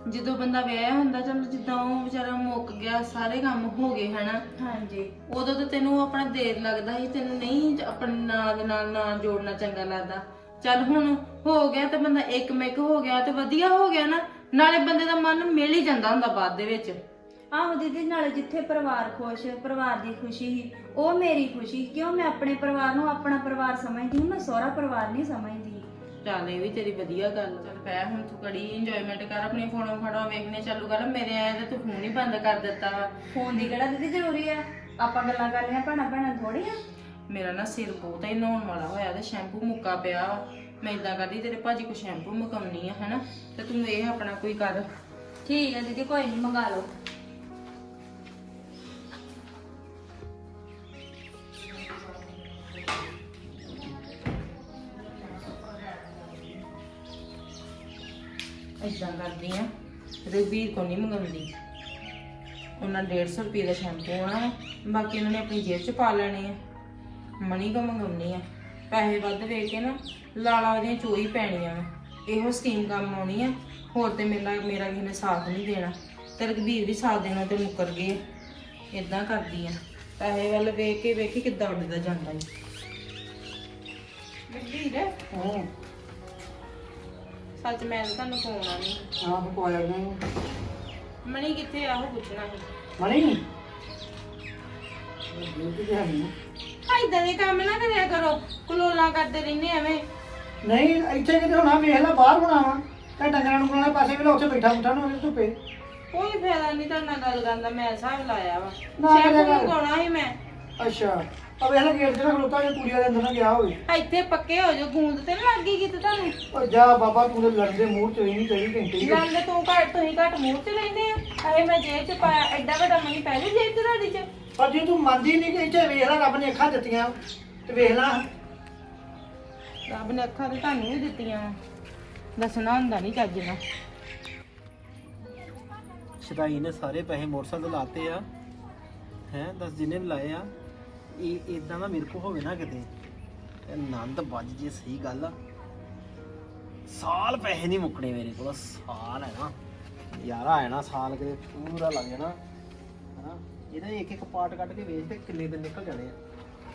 S4: ਜਦੋਂ ਬੰਦਾ ਵਿਆਹਿਆ ਹੁੰਦਾ ਚਲ ਜਿੱਦਾਂ ਉਹ ਵਿਚਾਰਾ ਮੁੱਕ ਗਿਆ ਸਾਰੇ ਕੰਮ ਹੋ ਗਏ ਹਨਾ
S3: ਹਾਂਜੀ
S4: ਉਦੋਂ ਤਾਂ ਤੈਨੂੰ ਆਪਣਾ ਦੇਰ ਲੱਗਦਾ ਸੀ ਤੈਨੂੰ ਨਹੀਂ ਆਪਣੇ ਨਾਂ ਦੇ ਨਾਲ ਨਾਂ ਜੋੜਨਾ ਚੰਗਾ ਲੱਗਦਾ ਚੱਲ ਹੁਣ ਹੋ ਗਿਆ ਤੇ ਬੰਦਾ ਇੱਕ ਮਿਕ ਹੋ ਗਿਆ ਤੇ ਵਧੀਆ ਹੋ ਗਿਆ ਨਾ ਨਾਲੇ ਬੰਦੇ ਦਾ ਮਨ ਮਿਲ ਹੀ ਜਾਂਦਾ ਹੁੰਦਾ ਬਾਅਦ ਦੇ ਵਿੱਚ
S3: ਆਹੋ ਦੀਦੀ ਨਾਲੇ ਜਿੱਥੇ ਪਰਿਵਾਰ ਖੁਸ਼ ਪਰਿਵਾਰ ਦੀ ਖੁਸ਼ੀ ਸੀ ਉਹ ਮੇਰੀ ਖੁਸ਼ੀ ਕਿਉਂ ਮੈਂ ਆਪਣੇ ਪਰਿਵਾਰ ਨੂੰ ਆਪਣਾ ਪਰਿਵਾਰ ਸਮਝਦੀ ਹਾਂ ਮੈਂ ਸਹੁਰਾ ਪਰਿਵਾਰ ਨਹੀਂ ਸਮਝਦੀ
S4: ਚੱਲ ਇਹ ਵੀ ਤੇਰੀ ਵਧੀਆ ਗੱਲ ਚੱਲ ਪੈ ਹੁਣ ਤੂੰ ਕੜੀ ਇੰਜੋਇਮੈਂਟ ਕਰ ਆਪਣੀ ਫੋਨੋਂ ਫੜੋ ਵੇਖਣੇ ਚਾਲੂ ਕਰ ਮੇਰੇ ਆਏ ਤੇ ਤੂੰ ਫੋਨ ਹੀ ਬੰਦ ਕਰ ਦਿੱਤਾ ਵਾ
S3: ਫੋਨ ਦੀ ਕਿਹੜਾ ਦੀਦੀ ਜ਼ਰੂਰੀ ਆ ਆਪਾਂ ਗੱਲਾਂ ਕਰ ਲਿਆ ਭੈਣਾਂ ਭੈਣਾਂ ਥੋੜੀ ਆ
S4: ਮੇਰਾ ਨਾ ਸਿਰ ਬਹੁਤ ਹੀ ਨਹਾਉਣ ਵਾਲਾ ਹੋਇਆ ਤੇ ਸ਼ੈਂਪੂ ਮੁੱਕਾ ਪਿਆ ਵਾ। ਮੈਂ ਇਦਾਂ ਕਰਦੀ ਤੇਰੇ ਭਾਜੀ ਕੋ ਸ਼ੈਂਪੂ ਮੁਕਾਉਣੀ ਆ ਹਨਾ ਤੇ ਤੂੰ ਇਹ ਆਪਣਾ ਕੋਈ ਕਰ
S3: ਠੀਕ ਹੈ ਦੀਦੀ ਕੋਈ ਨਹੀਂ ਮੰਗਾ ਲਓ
S4: ਇਦਾਂ ਕਰਦੀ ਆ ਰਘਬੀਰ ਕੋ ਨਹੀਂ ਮੰਗਾਉਂਦੀ ਉਹਨਾਂ 150 ਰੁਪਏ ਦਾ ਸ਼ੈਂਪੂ ਆਣਾ ਬਾਕੀ ਉਹਨਾਂ ਨੇ ਆਪਣੀ ਜੇਬ 'ਚ ਪਾ ਲੈਣੇ ਆ ਮਣੀ ਕੋ ਮੰਗਾਉਣੀ ਆ ਪੈਸੇ ਵੱਧ ਵੇਚ ਕੇ ਨਾ ਲਾਲਾ ਉਹਦੀਆਂ ਚੋਰੀ ਪੈਣੀਆਂ ਵਾ ਇਹੋ ਸਕੀਮ ਕੰਮ ਆਉਣੀ ਆ ਹੋਰ ਤੇ ਮੇਰਾ ਕਿਸੇ ਨੇ ਸਾਥ ਨਹੀਂ ਦੇਣਾ ਤੇ ਰਘਬੀਰ ਵੀ ਸਾਥ ਦੇਣਾ ਤੇ ਮੁੱਕਰ ਗਏ ਇਦਾਂ ਕਰਦੀ ਆ ਪੈਸੇ ਵੱਲ ਵੇਖ ਕੇ ਕਿੱਦਾਂ ਉੱਡਦਾ ਜਾਂਦਾ ਈ ਰਘਬੀਰ ਸੱਚ ਮੈਂ ਤਾਂ ਤੁਹਾਨੂੰ ਫੋਨ ਨਹੀਂ
S5: ਆਹ ਕੋਇਆ ਨਹੀਂ
S4: ਮਣੀ ਕਿੱਥੇ ਆਹੋ ਪੁੱਛਣਾ ਸੀ
S5: ਮਣੀ ਡਿਊਟੀ ਤੇ ਹੈ ਨਹੀਂ
S4: ਇਦਾਂ ਦੇ ਕੰਮ ਨਾ ਕਰਿਆ ਕਰੋ ਕਲੋਲਾਂ ਕਰਦੇ ਰਹਿੰਦੇ ਐਵੇਂ
S5: ਨਹੀਂ ਇੱਥੇ ਕਿਤੇ ਹੋਣਾ ਵੇਖ ਲੈ ਬਾਹਰ ਹੋਣਾ ਵਾ ਤੇ ਡੰਗਰਾਂ ਨੂੰ ਕੋਲੇ ਪਾਸੇ ਵੇਲੇ ਉੱਥੇ ਬੈਠਾ ਬੁੱਠਾ ਨੂੰ ਧੁੱਪੇ
S4: ਕੋਈ ਫਾਇਦਾ ਨਹੀਂ ਤੁਹਾਡੇ ਨਾਲ ਗੱਲ ਕਰਨ ਦਾ ਮੈਂ ਹਿਸਾਬ ਲਾਇਆ ਵਾ
S5: ਨਾ
S4: ਸ਼ੈਂਪੂ
S5: ਇਹਦਾ ਗੱਲ।
S4: ਮੰਗਾਉਣਾ ਸੀ ਮੈਂ
S5: ਅੱਛਾ ਆ ਵੇਖ ਲੈ ਗੇਟ ਤੇ ਨਾ ਖਲੋਤਾ ਜੇ ਕੁੜੀਆਂ ਦੇ ਅੰਦਰ ਨਾ ਗਿਆ ਹੋਵੇ
S4: ਇੱਥੇ ਪੱਕੇ ਹੋ ਜਾਓ ਗੂੰਦ ਤੇ ਨੀ ਲੱਗ ਗਈ ਕਿਤੇ ਤੁਹਾਨੂੰ
S5: ਓ ਜਾ ਬਾਬਾ ਤੂੰ ਤੇ ਲੜਦੇ ਮੂੰਹ ਚ ਹੀ ਨਹੀਂ ਕਰੀ ਘੰਟੇ ਹੀ।
S4: ਲੰਗ ਤੁਸੀਂ ਘੱਟ ਮੂੰਹ ਚ ਲੈਂਦੇ ਆ ਅਰੇ ਮੈਂ ਜੇਬ ਚ ਪਾਇਆ ਐਡਾ ਵੱਡਾ ਮਣੀ ਪਹਿਲੇ ਜੇਬ ਚ ਤੁਹਾਡੀ ਚ
S5: ਪਰ ਜੇ ਤੂੰ ਮੰਨਦੀ ਨਹੀਂ ਕਿ ਇੱਥੇ ਵੇਖ ਲੈ ਰੱਬ ਨੇ ਅੱਖਾਂ ਦਿੱਤੀਆਂ ਤੇ ਵੇਖ ਲੈ
S4: ਰੱਬ ਨੇ ਅੱਖਾਂ ਤੇ ਤੁਹਾਨੂੰ ਵੀ ਦਿੱਤੀਆਂ ਵਾ ਦੱਸਣਾ ਹੁੰਦਾ ਨਹੀਂ ਚੱਜ ਨਾਲ
S1: ਸ਼ਦਾਈ ਨੇ ਸਾਰੇ ਪੈਸੇ ਮੋਟਰਸਾਈਕਲ ਤੇ ਲਾਤੇ ਆ ਹੈ ਦੱਸ ਜਿੰਨੇ ਵੀ ਲਾਏ ਆ ਇਹ ਇਦਾਂ ਦਾ ਮੇਰੇ ਕੋ ਹੋਵੇ ਨਾ ਕਿਤੇ ਤੇ ਆਨੰਦ ਵੱਜ ਜੇ ਸਹੀ ਗੱਲ ਆ ਸਾਲ ਪੈਸੇ ਨਹੀਂ ਮੁੱਕਣੇ ਮੇਰੇ ਕੋਲ ਸਾਲ ਹੈ ਨਾ ਯਾਰਾ ਹੈ ਨਾ ਸਾਲ ਕਿਤੇ ਪੂਰਾ ਲੱਗ ਜਾਣਾ ਹਨਾ ਇਹਦਾ ਇੱਕ ਇੱਕ ਪਾਰਟ ਕੱਢ ਕੇ ਵੇਚ ਤੇ ਕਿੰਨੇ ਦਿਨ ਨਿਕਲ ਜਾਣੇ ਆ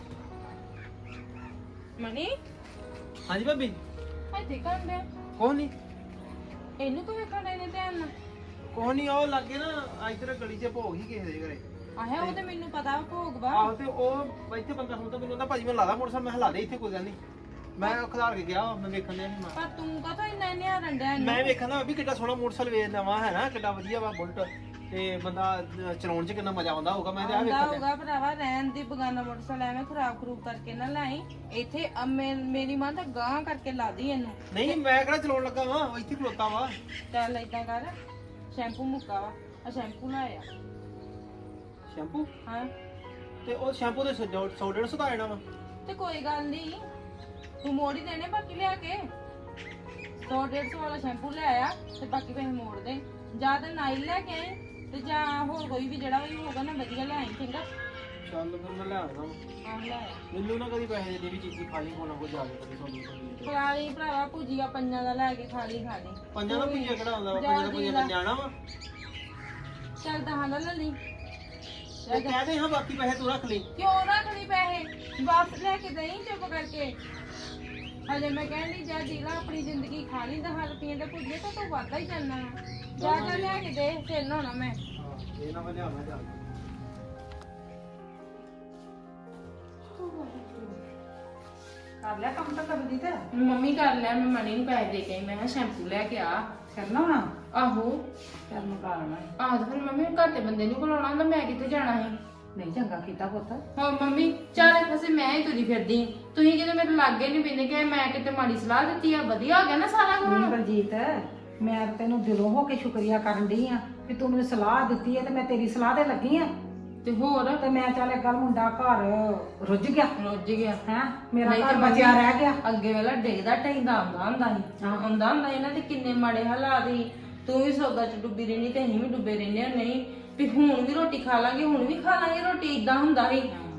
S4: ਮਣੀ
S1: ਹਾਂਜੀ ਭਾਬੀ
S4: ਇੱਥੇ ਕੰਦੇ
S1: ਕੋਹ ਨਹੀਂ
S4: ਇਹਨੂੰ ਕਿਵੇਂ ਖੜੇ ਨੇ ਧਿਆਨ ਨਾਲ
S1: ਕੋਹ ਨਹੀਂ ਉਹ ਲੱਗੇ ਨਾ ਇੱਧਰ ਗਲੀ 'ਚ ਭੋਗ ਹੀ ਕਿਸੇ ਦੇ ਘਰੇ
S4: ਆਹੇ ਉਹ ਤੇ ਮੈਨੂੰ ਪਤਾ ਭੋਗ ਵਾ
S1: ਆਹੋ ਤੇ ਉਹ ਇੱਥੇ ਬੰਦਾ ਹੁਣ ਤਾਂ ਮੈਨੂੰ ਕਹਿੰਦਾ ਭਾਜੀ ਮੈਂ ਲਾਦਾ ਮੋਟਰਸਾਈਕਲ ਮੈਂ ਹਲਾ ਦੇ ਇੱਥੇ ਕੋਈ ਗੱਲ ਨਹੀਂ ਮੈਂ ਖਿਲਾਰ ਕੇ ਗਿਆ ਮੈਂ ਵੇਖਣ ਡਿਆ ਸੀ
S4: ਪਰ ਤੂੰ ਕਹਤਾ ਇੰਨਾ ਨਿਹਾਰਨ ਡਿਆ
S1: ਮੈਂ ਵੇਖਣਾ ਵੀ ਕਿੱਡਾ ਸੋਹਣਾ ਮੋਟਰਸਾਈਕਲ ਵੇਚ ਨਵਾਂ ਹੈ ਨਾ ਕਿੱਡਾ ਵਧੀਆ ਵਾ ਬੁਲਟ ਤੇ ਬੰਦਾ ਚਲਾਉਣ 'ਚ ਕਿੰਨਾ ਮਜ਼ਾ ਆਉਂਦਾ ਹੋਊਗਾ ਮੈਂ ਤੇ ਆ
S4: ਆਉਂਦਾ
S1: ਵੇਖਣ
S4: ਹੋਊਗਾ ਭਰਾਵਾ ਰਹਿਣ ਦੀ ਬਗਾਨਾ ਮੋਟਰਸਾਈਕਲ ਐਵੇਂ ਖਰਾਬ ਕਰਕੇ ਨਾ ਲਾਈ ਇੱਥੇ ਮੇਰੀ ਮਾਂ ਤਾਂ ਗਾਂ ਕਰਕੇ ਲਾਦੀ ਇਹਨੂੰ
S1: ਨਹੀਂ ਮੈਂ ਕਿਹੜਾ ਚਲਾਉਣ ਲੱਗਾ ਵਾਂ ਉਹ ਇੱਥੇ ਖਲੋਤਾ ਵਾ
S4: ਚੱਲ ਏਦਾਂ ਕਰ ਸ਼ੈਂਪੂ ਮੁੱਕਾ ਵਾ ਆ ਸ਼ੈਂਪੂ ਲਾਇਆ
S1: ਸ਼ੈਂਪੂ
S4: ਹਾਂ
S1: ਤੇ ਉਹ ਸ਼ੈਂਪੂ ਦੇ 100-150 ਦਾ ਆਣਾ ਵਾ
S4: ਤੇ ਕੋਈ ਗੱਲ ਨਹੀਂ ਤੂੰ ਮੋੜ ਹੀ ਦੇਣੇ ਬਾਕੀ ਲਿਆ ਕੇ 100-150 ਵਾਲਾ ਸ਼ੈਂਪੂ ਲੈ ਆਇਆ ਤੇ ਬਾਕੀ ਪੈਸੇ ਮੋੜ ਦੇ ਜਾਂ ਤੇ ਨਾਈਲ ਲੈ ਕੇ ਆਈ ਤੇ ਜਾਂ ਹੋਰ ਕੋਈ ਵੀ ਜਿਹੜਾ ਵੀ ਹੋਊਗਾ ਨਾ ਵਧੀਆ ਲੈ ਆਈ ਚੰਗਾ
S1: ਚੱਲ ਫਿਰ ਮੈਂ ਲੈ ਆਉਂਦਾ
S4: ਆਹ ਲੈ ਆਇਆ
S1: ਮੈਨੂੰ ਨਾ ਕਦੀ ਪੈਸੇ ਦੇ ਵੀ ਚੀਜ਼ੀ ਖਾ ਲਈ ਕੋਨਾ ਕੋ ਜਾ ਕੇ ਕਦੀ ਤੁਹਾਨੂੰ
S4: ਖਾ ਲਈ ਭਰਾਵਾ ਭੁਜੀਆ ਪੰਜਾਂ ਦਾ ਲੈ ਕੇ ਖਾ ਲਈ
S1: ਪੰਜਾਂ ਦਾ ਪੁੰਜਾ ਕਿਹੜਾ ਹੁੰਦਾ ਵਾ ਪੰਜਾਂ ਦਾ ਪੁੰਜਾ ਜਾਣਾ ਵਾ
S4: ਚੱਲ ਦਹਾਂ ਦਾ ਲੈ ਲਈ
S1: ਤੇ ਕਹਦੇ ਹਾਂ ਬਾਕੀ ਪੈਸੇ ਤੂੰ ਰੱਖ ਲਈ
S4: ਕਿਉਂ ਰੱਖ ਲਈ ਪੈਸੇ ਵਾਪਸ ਲੈ ਕੇ ਦੇਈ ਚੁੱਪ ਕਰਕੇ ਹਜੇ ਮੈਂ ਕਹਿੰਦੀ ਜਾ ਜੀਲਾ ਆਪਣੀ ਜ਼ਿੰਦਗੀ ਖਾ ਲਈ 10 ਰੁਪਏ ਦਾ ਭੁਜੀਆ ਤਾਂ ਤੂੰ ਵਾਧਾ ਹੀ ਚੱਲਣਾ ਜਾ ਜਾ ਲੈ ਕੇ ਦੇ ਫਿਰ ਨਹਾਉਣਾ ਮੈਂ
S1: ਇਹ ਨਾ ਮੈਂ ਲਿਆਉਣਾ ਚੱਲ
S2: ਕਰ ਲਿਆ ਕੰਮ ਤਾਂ ਕਰਦੀ ਤੇ
S4: ਮੰਮੀ ਕਰ ਲਿਆ ਮੈਂ ਮਣੀ ਨੂੰ ਪੈਸੇ ਦੇ ਕੇ ਆਈ ਮੈਂ ਕਿਹਾ ਸ਼ੈਂਪੂ ਲੈ ਕੇ ਆ
S2: ਕਰਨਾ ਵਾ
S4: ਆਹੋ
S2: ਚੱਲ ਮੈਂ ਕਰਨਾ
S4: ਆਹ ਤੇ ਫਿਰ ਮੰਮੀ ਘਾਟੇ ਬੰਦੇ ਨੂੰ ਬੁਲਾਉਣਾ ਹੁੰਦਾ ਮੈਂ ਕਿੱਥੇ ਜਾਣਾ ਸੀ
S2: ਨਹੀਂ ਚੰਗਾ ਕੀਤਾ ਪੁੱਤ
S4: ਹਾਂ ਮੰਮੀ ਚਾਰੇ ਪਾਸੇ ਮੈਂ ਹੀ ਤੁਰੀ ਫਿਰਦੀ ਤੁਸੀਂ ਕਿਤੇ ਮੇਰੇ ਲਾਗੇ ਨਹੀਂ ਪੈਂਦੇ ਕਿ ਮੈਂ ਕਿਤੇ ਮਾੜੀ ਸਲਾਹ ਦਿੱਤੀ ਆ ਵਧੀਆ ਹੋ ਗਿਆ ਨਾ ਸਾਰਾ ਕੁਝ
S2: ਬਲਜੀਤ ਮੈਂ ਤਾਂ ਤੈਨੂੰ ਦਿਲੋਂ ਹੋ ਕੇ ਸ਼ੁਕਰੀਆ ਕਰਨ ਡਈ ਆ ਕਿ ਤੂੰ ਮੈਨੂੰ ਸਲਾਹ ਦਿੱਤੀ ਹੈ ਤੇ ਮੈਂ ਤੇਰੀ ਸਲਾਹ ਤੇ ਲੱਗੀ ਆ
S4: ਤੇ ਹੋਰ
S2: ਤੇ ਮੈਂ ਚੱਲ ਇੱਕ ਗੱਲ ਮੁੰਡਾ ਘਰ ਰੁੱਝ ਗਿਆ
S4: ਰੁੱਝ ਗਿਆ
S2: ਹੈ ਮੇਰਾ
S4: ਨਹੀਂ
S2: ਘਰ
S4: ਤੇ
S2: ਬਚਿਆ ਰਹਿ ਗਿਆ
S4: ਅੱਗੇ ਵੇਲਾ ਡਿੱਗਦਾ ਟੈਂਦਾ ਆਉਂਦਾ ਹੁੰਦਾ ਸੀ ਆਉਂਦਾ ਹੁੰਦਾ ਇਹਨਾਂ ਦੇ ਕਿੰਨੇ ਮਾੜੇ ਹਾਲਾਤ ਸੀ ਤੂੰ ਵੀ ਸੌਦਾ ਚ ਡੁੱਬੀ ਰਹਿਣੀ ਤੇ ਅਸੀਂ ਵੀ ਡੁੱਬੇ ਰਹਿੰਦੇ ਹਾਂ ਨਹੀਂ ਵੀ ਹੁਣ ਵੀ ਰੋਟੀ ਖਾ ਲਾਂਗੇ ਹੁਣ ਵੀ ਖਾ ਲਾਂਗੇ ਰੋਟੀ ਇਦਾਂ ਹੁੰਦਾ ਸੀ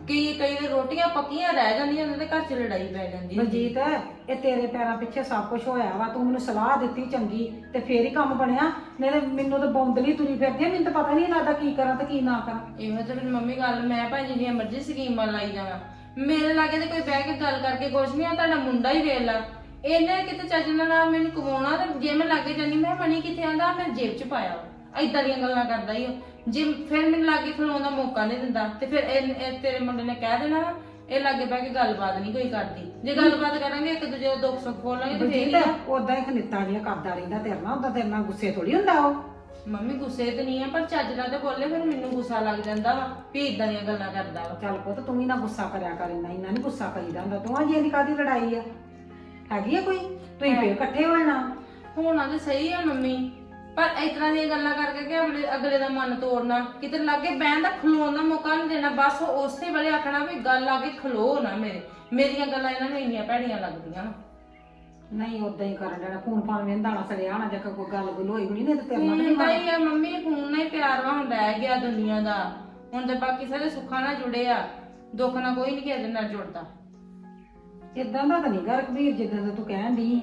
S4: ਕਈ ਦੇ ਰੋਟੀਆਂ ਪੱਕੀਆਂ ਰਹਿ ਜਾਂਦੀਆਂ ਉਹਨਾਂ ਦੇ ਘਰ 'ਚ ਲੜਾਈ ਪੈ ਜਾਂਦੀ ਹੁੰਦੀ।
S2: ਬਲਜੀਤ ਇਹ ਤੇਰੇ ਪੈਰਾਂ ਪਿੱਛੇ ਸਭ ਕੁਝ ਹੋਇਆ ਵਾ, ਤੂੰ ਮੈਨੂੰ ਸਲਾਹ ਦਿੱਤੀ ਚੰਗੀ ਤੇ ਫੇਰ ਹੀ ਕੰਮ ਬਣਿਆ, ਨਹੀਂ ਤੇ ਮੈਨੂੰ ਤਾਂ ਬੌਂਦਲੀ ਤੁਰੀ ਫਿਰਦੀ ਆ, ਮੈਨੂੰ ਤਾਂ ਪਤਾ ਨਹੀਂ ਲੱਗਦਾ ਕੀ ਕਰਾਂ ਤੇ ਕੀ ਨਾ ਕਰਾਂ।
S4: ਇਹੋ ਤੇ ਫਿਰ ਮੰਮੀ ਗੱਲ, ਮੈਂ ਭਾਈ ਜਿੰਨੀਆਂ ਮਰਜ਼ੀ ਸਕੀਮਾਂ ਲਾਈ ਜਾਵਾਂ, ਮੇਰੇ ਲਾਗੇ ਤੇ ਕੋਈ ਬਹਿ ਕੇ ਗੱਲ ਕਰਕੇ ਕੁਛ ਨਹੀਂ ਆ। ਤੁਹਾਡਾ ਮੁੰਡਾ ਹੀ ਵੇਖ ਲਾ, ਇਹਨੇ ਕਿਤੇ ਚੱਜ ਨਾਲ ਮੈਨੂੰ ਕਮਾਉਣਾ, ਤੇ ਜੇ ਮੈਂ ਲਾਗੇ ਜਾਨੀ ਮੈਂ ਮਣੀ ਕਿੱਥੇ ਆਂਦਾ, ਮੈਂ ਜੇਬ 'ਚ ਪਾਇਆ। ਏਦਾਂ ਦੀਆਂ ਗੱਲਾਂ ਕਰਦਾ ਹੀ ਜੇ ਫਿਰ ਮੈਨੂੰ ਲਾਗੇ ਖਲੋਣ ਦਾ ਮੌਕਾ ਨਹੀਂ ਦਿੰਦਾ, ਤੇ ਫਿਰ ਇਹ ਤੇਰੇ ਮੁੰਡੇ ਨੇ ਕਹਿ ਦੇਣਾ ਵਾ, ਇਹ ਲਾਗੇ ਬਹਿ ਕੇ ਗੱਲਬਾਤ ਨਹੀਂ ਕੋਈ ਕਰਦੀ। ਜੇ ਗੱਲਬਾਤ ਕਰਾਂਗੇ ਇੱਕ ਦੂਜੇ ਦਾ ਦੁੱਖ ਸੁੱਖ ਬੋਲਾਂਗੇ ਤੇ ਫੇਰ ਹੀ ਆ।
S2: ਉਦਾਂ ਹੀ ਖਨਿੱਤਾਂ ਜਿਹੀਆਂ ਕਰਦਾ ਰਹਿੰਦਾ ਤੇਰੇ ਨਾਲ, ਉਹਦਾ ਤੇਰੇ ਨਾਲ ਗੁੱਸੇ ਥੋੜੀ ਹੁੰਦਾ ਉਹ।
S4: ਮੰਮੀ ਗੁੱਸੇ ਤੇ ਨਹੀਂ ਆ, ਪਰ ਚੱਜ ਨਾਲ ਤੇ ਬੋਲੇ ਫਿਰ ਮੈਨੂੰ ਗੁੱਸਾ ਲੱਗ ਜਾਂਦਾ ਵਾ ਵੀ ਇਦਾਂ ਦੀਆਂ ਗੱਲਾਂ ਕਰਦਾ ਵਾ।
S2: ਚੱਲ ਪੁੱਤ ਤੂੰ ਵੀ ਨਾ ਗੁੱਸਾ ਕਰਿਆ ਕਰ, ਇੰਨਾ ਨਹੀਂ ਗੁੱਸਾ ਕਰੀਦਾ ਹੁੰਦਾ। ਤੂੰ ਜੀ ਦੀ ਕਾਦੀ ਲੜਾਈ ਆ, ਹੈਗੀ ਆ ਕੋਈ? ਤੁਸੀਂ ਫੇਰ ਇਕੱਠੇ ਹੋਣਾ
S4: ਹੋਣਾ ਤੇ ਸਹੀ ਆ ਮੰਮੀ, ਪਰ ਇਸ ਤਰ੍ਹਾਂ ਦੀਆਂ ਗੱਲਾਂ ਕਰਕੇ ਕਿ ਅਗਲੇ ਦਾ ਮਨ ਤੋੜਨਾ, ਕਿਤੇ ਲਾਗੇ ਬਹਿਣ ਦਾ ਖਲੋਣ ਦਾ ਮੌਕਾ ਨਹੀਂ ਦੇਣਾ, ਬਸ ਉਸੇ ਵੇਲੇ ਆਖਣਾ ਵੀ ਗੱਲ ਆ ਕੇ ਖਲੋ ਨਾ ਮੇਰੀਆਂ ਗੱਲਾਂ ਇਹਨਾਂ ਨੂੰ ਇੰਨੀਆਂ ਭੈੜੀਆਂ ਲੱਗਦੀਆਂ ਨਾ।
S2: ਨਹੀਂ ਉਦਾਂ ਹੀ ਕਰਨ ਦੇਣਾ, ਫੋਨ ਫਾਨ ਵੇਂਦਾ ਨਾ ਸੜਿਆ ਨਾ, ਜੇ ਕੋਈ ਗੱਲ ਗੁੱਲ ਹੋਈ ਹੋਣੀ ਨਹੀਂ ਤੇ ਤੇਰੇ ਨਾਲ ਤਾਂ
S4: ਹੁੰਦਾ ਹੀ ਆ ਮੰਮੀ, ਫੋਨ ਨਾਲ ਹੀ ਪਿਆਰ ਵਾ ਹੁਣ ਰਹਿ ਗਿਆ ਦੁਨੀਆ ਦਾ। ਹੁਣ ਤੇ ਬਾਕੀ ਸਾਰੇ ਸੁੱਖਾਂ ਨਾਲ ਜੁੜੇ ਆ, ਦੁੱਖ ਨਾਲ ਕੋਈ ਨਹੀਂ ਕਿਸੇ ਦੇ ਨਾਲ ਜੁੜਦਾ।
S2: ਇਦਾਂ ਦਾ ਤਾਂ ਨਹੀਂ ਗਾ ਰਘਬੀਰ ਜਿੱਦਾਂ ਦਾ ਤੂੰ ਕਹਿਣ ਦੀ।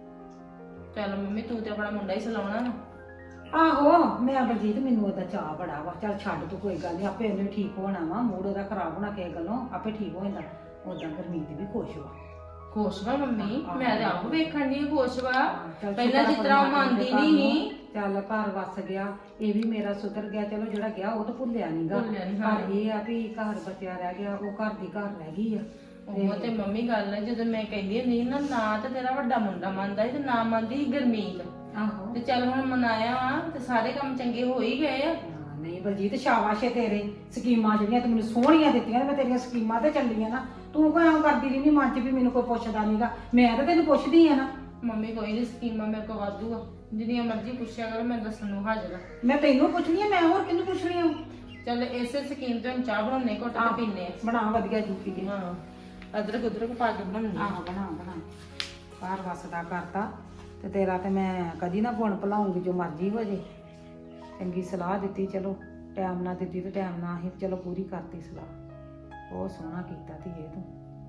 S4: ਚੱਲ ਮੰਮੀ ਤੂੰ ਤੇ ਆਪਣਾ ਮੁੰਡਾ ਹੀ ਸਲਾਉਣਾ ਨਾ।
S2: ਆਹੋ ਮੈਂ ਬਲਜੀਤ ਮੈਨੂੰ ਉਹਦਾ ਚਾਹ ਬੜਾ ਵਾ, ਚੱਲ ਛੱਡ ਤੂੰ ਕੋਈ ਗੱਲ ਨਹੀਂ, ਆਪੇ ਉਹਨੇ ਠੀਕ ਹੋਣਾ ਵਾ, ਮੂਡ ਉਹਦਾ ਖਰਾਬ ਹੋਣਾ ਕਿਸੇ ਗੱਲੋਂ, ਆਪੇ ਠੀਕ ਹੋ ਜਾਂਦਾ। ਉਦਾਂ ਗੁਰਮੀਤ ਵੀ ਖੁਸ਼ ਵਾ।
S4: ਖੁਸ਼ ਵਾ ਮੰਮੀ, ਮੈਂ ਤੇ ਆਪ ਵੇਖਣ ਦੀ ਖੁਸ਼ ਵਾ।
S2: ਚੱਲ
S4: ਪਹਿਲਾਂ ਜਿਸ ਤਰ੍ਹਾਂ ਉਹ ਮੰਨਦੀ ਨਹੀਂ,
S2: ਚੱਲ ਘਰ ਵਸ ਗਿਆ, ਇਹ ਵੀ ਮੇਰਾ ਸੁਧਰ ਗਿਆ। ਚਲੋ ਜਿਹੜਾ ਗਿਆ ਉਹ ਤਾਂ ਭੁੱਲਿਆ ਨਹੀਂਗਾ, ਪਰ ਇਹ ਆ ਵੀ ਘਰ ਬਚਿਆ ਰਹਿ ਗਿਆ, ਉਹ ਘਰ ਦੀ ਘਰ ਰਹਿ ਗਈ ਆ।
S4: ਉਹ ਤੇ ਮੰਮੀ ਗੱਲ ਹੈ, ਜਦੋਂ ਮੈਂ ਕਹਿੰਦੀ ਹੁੰਦੀ ਸੀ ਨਾ ਤੇ ਤੇਰਾ ਵੱਡਾ ਮੁੰਡਾ ਮੰਨਦਾ ਸੀ ਤੇ ਨਾ ਮੰਨਦੀ ਸੀ ਗੁਰਮੀਤ।
S2: ਆਹੋ
S4: ਤੇ ਚੱਲ ਹੁਣ ਮਨਾਇਆ ਵਾ ਤੇ ਸਾਰੇ ਕੰਮ ਚੰਗੇ ਹੋ ਹੀ ਗਏ ਆ।
S2: ਨਹੀਂ ਬਲਜੀਤ ਸ਼ਾਬਾਸ਼ ਏ ਤੇਰੇ, ਸਕੀਮਾਂ ਜਿਹੜੀਆਂ ਤੂੰ ਮੈਨੂੰ ਸੋਹਣੀਆਂ ਦਿੱਤੀਆਂ, ਮੈਂ ਤੇਰੀਆਂ ਸਕੀਮਾਂ ਤੇ ਚੱਲੀਆਂ ਨਾ। ਤੂੰ ਕੋਈ ਐਂ ਕਰਦੀ ਰਹਿੰਦੀ ਮਨ 'ਚ ਵੀ ਮੈਨੂੰ ਕੋਈ ਪੁੱਛਦਾ ਨਹੀਂਗਾ, ਮੈਂ ਤਾਂ ਤੈਨੂੰ ਪੁੱਛਦੀ ਆ ਨਾ।
S4: ਮੰਮੀ ਕੋਈ ਨਹੀਂ, ਸਕੀਮਾਂ ਮੇਰੇ ਕੋਲ ਵਾਧੂ ਆ, ਜਿੰਨੀਆਂ ਮਰਜ਼ੀ ਪੁੱਛਿਆ ਕਰੋ, ਮੈਂ ਦੱਸਣ ਨੂੰ ਹਾਜ਼ਰ ਆ।
S2: ਮੈਂ ਤੈਨੂੰ ਪੁੱਛਣੀ ਆ, ਮੈਂ ਹੋਰ ਕਿਹਨੂੰ ਪੁੱਛਣੀ ਆ?
S4: ਚੱਲ ਇਸੇ ਸਕੀਮ ਤੇ ਹੁਣ ਚਾਹ ਬਣਾਉਣੇ, ਘੁੱਟ ਕੇ ਪੀਨੇ ਆ।
S2: ਬਣਾ ਵਧੀਆ ਜੀ ਪੀਏ।
S4: ਹਾਂ ਅਦਰਕ ਉਦਰਕ ਪਾ ਕੇ ਬਣਾਉਣੀ ਆ।
S2: ਆਹੋ ਬਣਾ ਘਰ ਵਸਦਾ ਕਰਤਾ ਤੇ ਤੇਰਾ ਤੇ ਮੈਂ ਕਦੀ ਨਾ ਗੁਣ ਭੁਲਾਉਂਗੀ, ਜੋ ਮਰਜ਼ੀ ਹੋ ਜੇ। ਚੰਗੀ ਸਲਾਹ ਦਿੱਤੀ, ਚਲੋ ਟਾਈਮ ਨਾਲ ਦਿੱਤੀ ਤੇ ਟਾਈਮ ਨਾਲ ਹੀ ਚਲੋ ਪੂਰੀ ਕਰਤੀ ਸਲਾਹ। ਬਹੁਤ ਸੋਹਣਾ ਕੀਤਾ ਧੀਏ ਤੂੰ।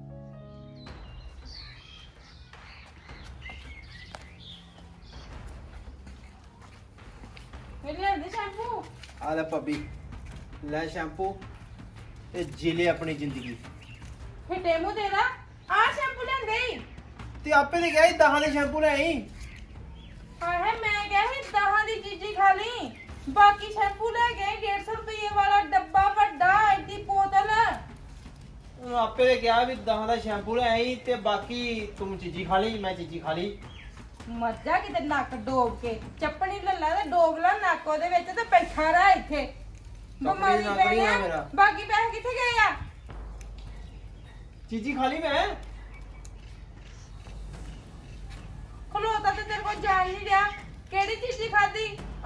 S4: ਮੇਰੇ ਲਿਆਂਦੇ ਸ਼ੈਂਪੂ।
S1: ਆ ਲੈ ਭਾਬੀ, ਲੈ ਸ਼ੈਂਪੂ ਤੇ ਜੀਲੇ ਆਪਣੀ ਜ਼ਿੰਦਗੀ।
S4: ਫਿੱਟੇ ਮੂੰਹ ਤੇਰਾ, ਆ ਸ਼ੈਂਪੂ ਲਿਆਂਦੇ ਈ।
S1: ਤੇ ਆਪੇ ਤੇ ਗਿਆ ਸੀ 10 ਦੇ ਸ਼ੈਂਪੂ ਲੈ ਆਈ।
S4: ਹਾਏ ਮੈਂ ਕਿਹਾ ਸੀ 10 ਦੀ ਚੀਜ਼ੀ ਖਾ ਲਈ, ਬਾਕੀ ਸ਼ੈਂਪੂ ਲੈ ਗਏ 150 ਰੁਪਏ ਵਾਲਾ ਡੱਬਾ ਵੱਡਾ, ਐਡੀ ਬੋਤਲ।
S1: ਉਹ ਆਪੇ ਤੇ ਕਿਹਾ ਵੀ 10 ਦਾ ਸ਼ੈਂਪੂ ਲੈ ਆਈ ਤੇ ਬਾਕੀ ਤੂੰ ਚੀਜ਼ੀ ਖਾ ਲਈ, ਮੈਂ ਚੀਜ਼ੀ ਖਾ ਲਈ।
S4: ਮੱਝਾ ਕਿਤੇ ਨੱਕ ਡੋਬ ਕੇ ਚੱਪਣੀ ਲੱਲਾ ਤੇ ਡੋਬ ਲਾ ਨੱਕ ਉਹਦੇ ਵਿੱਚ ਤੇ ਬੈਠਾ ਰਹਿ ਇੱਥੇ। ਬਿਮਾਰੀ
S1: ਨੱਕ
S4: ਪੈ
S1: ਨਹੀਂ ਆ
S4: ਗਿਆ,
S1: ਮੇਰਾ।
S4: ਬਾਕੀ ਪੈਸੇ ਕਿੱਥੇ ਗਏ ਆ?
S1: ਚੀਜ਼ੀ ਖਾ ਲਈ ਮੈਂ।
S4: ਖਲੋਤਾ ਤੇ ਤੇਰੇ ਕੋਲ ਜਾਣ ਨਹੀਂ ਰਿਹਾ, ਕਿਹੜੀ ਚੀਜ਼ੀ ਖਾਦੀ?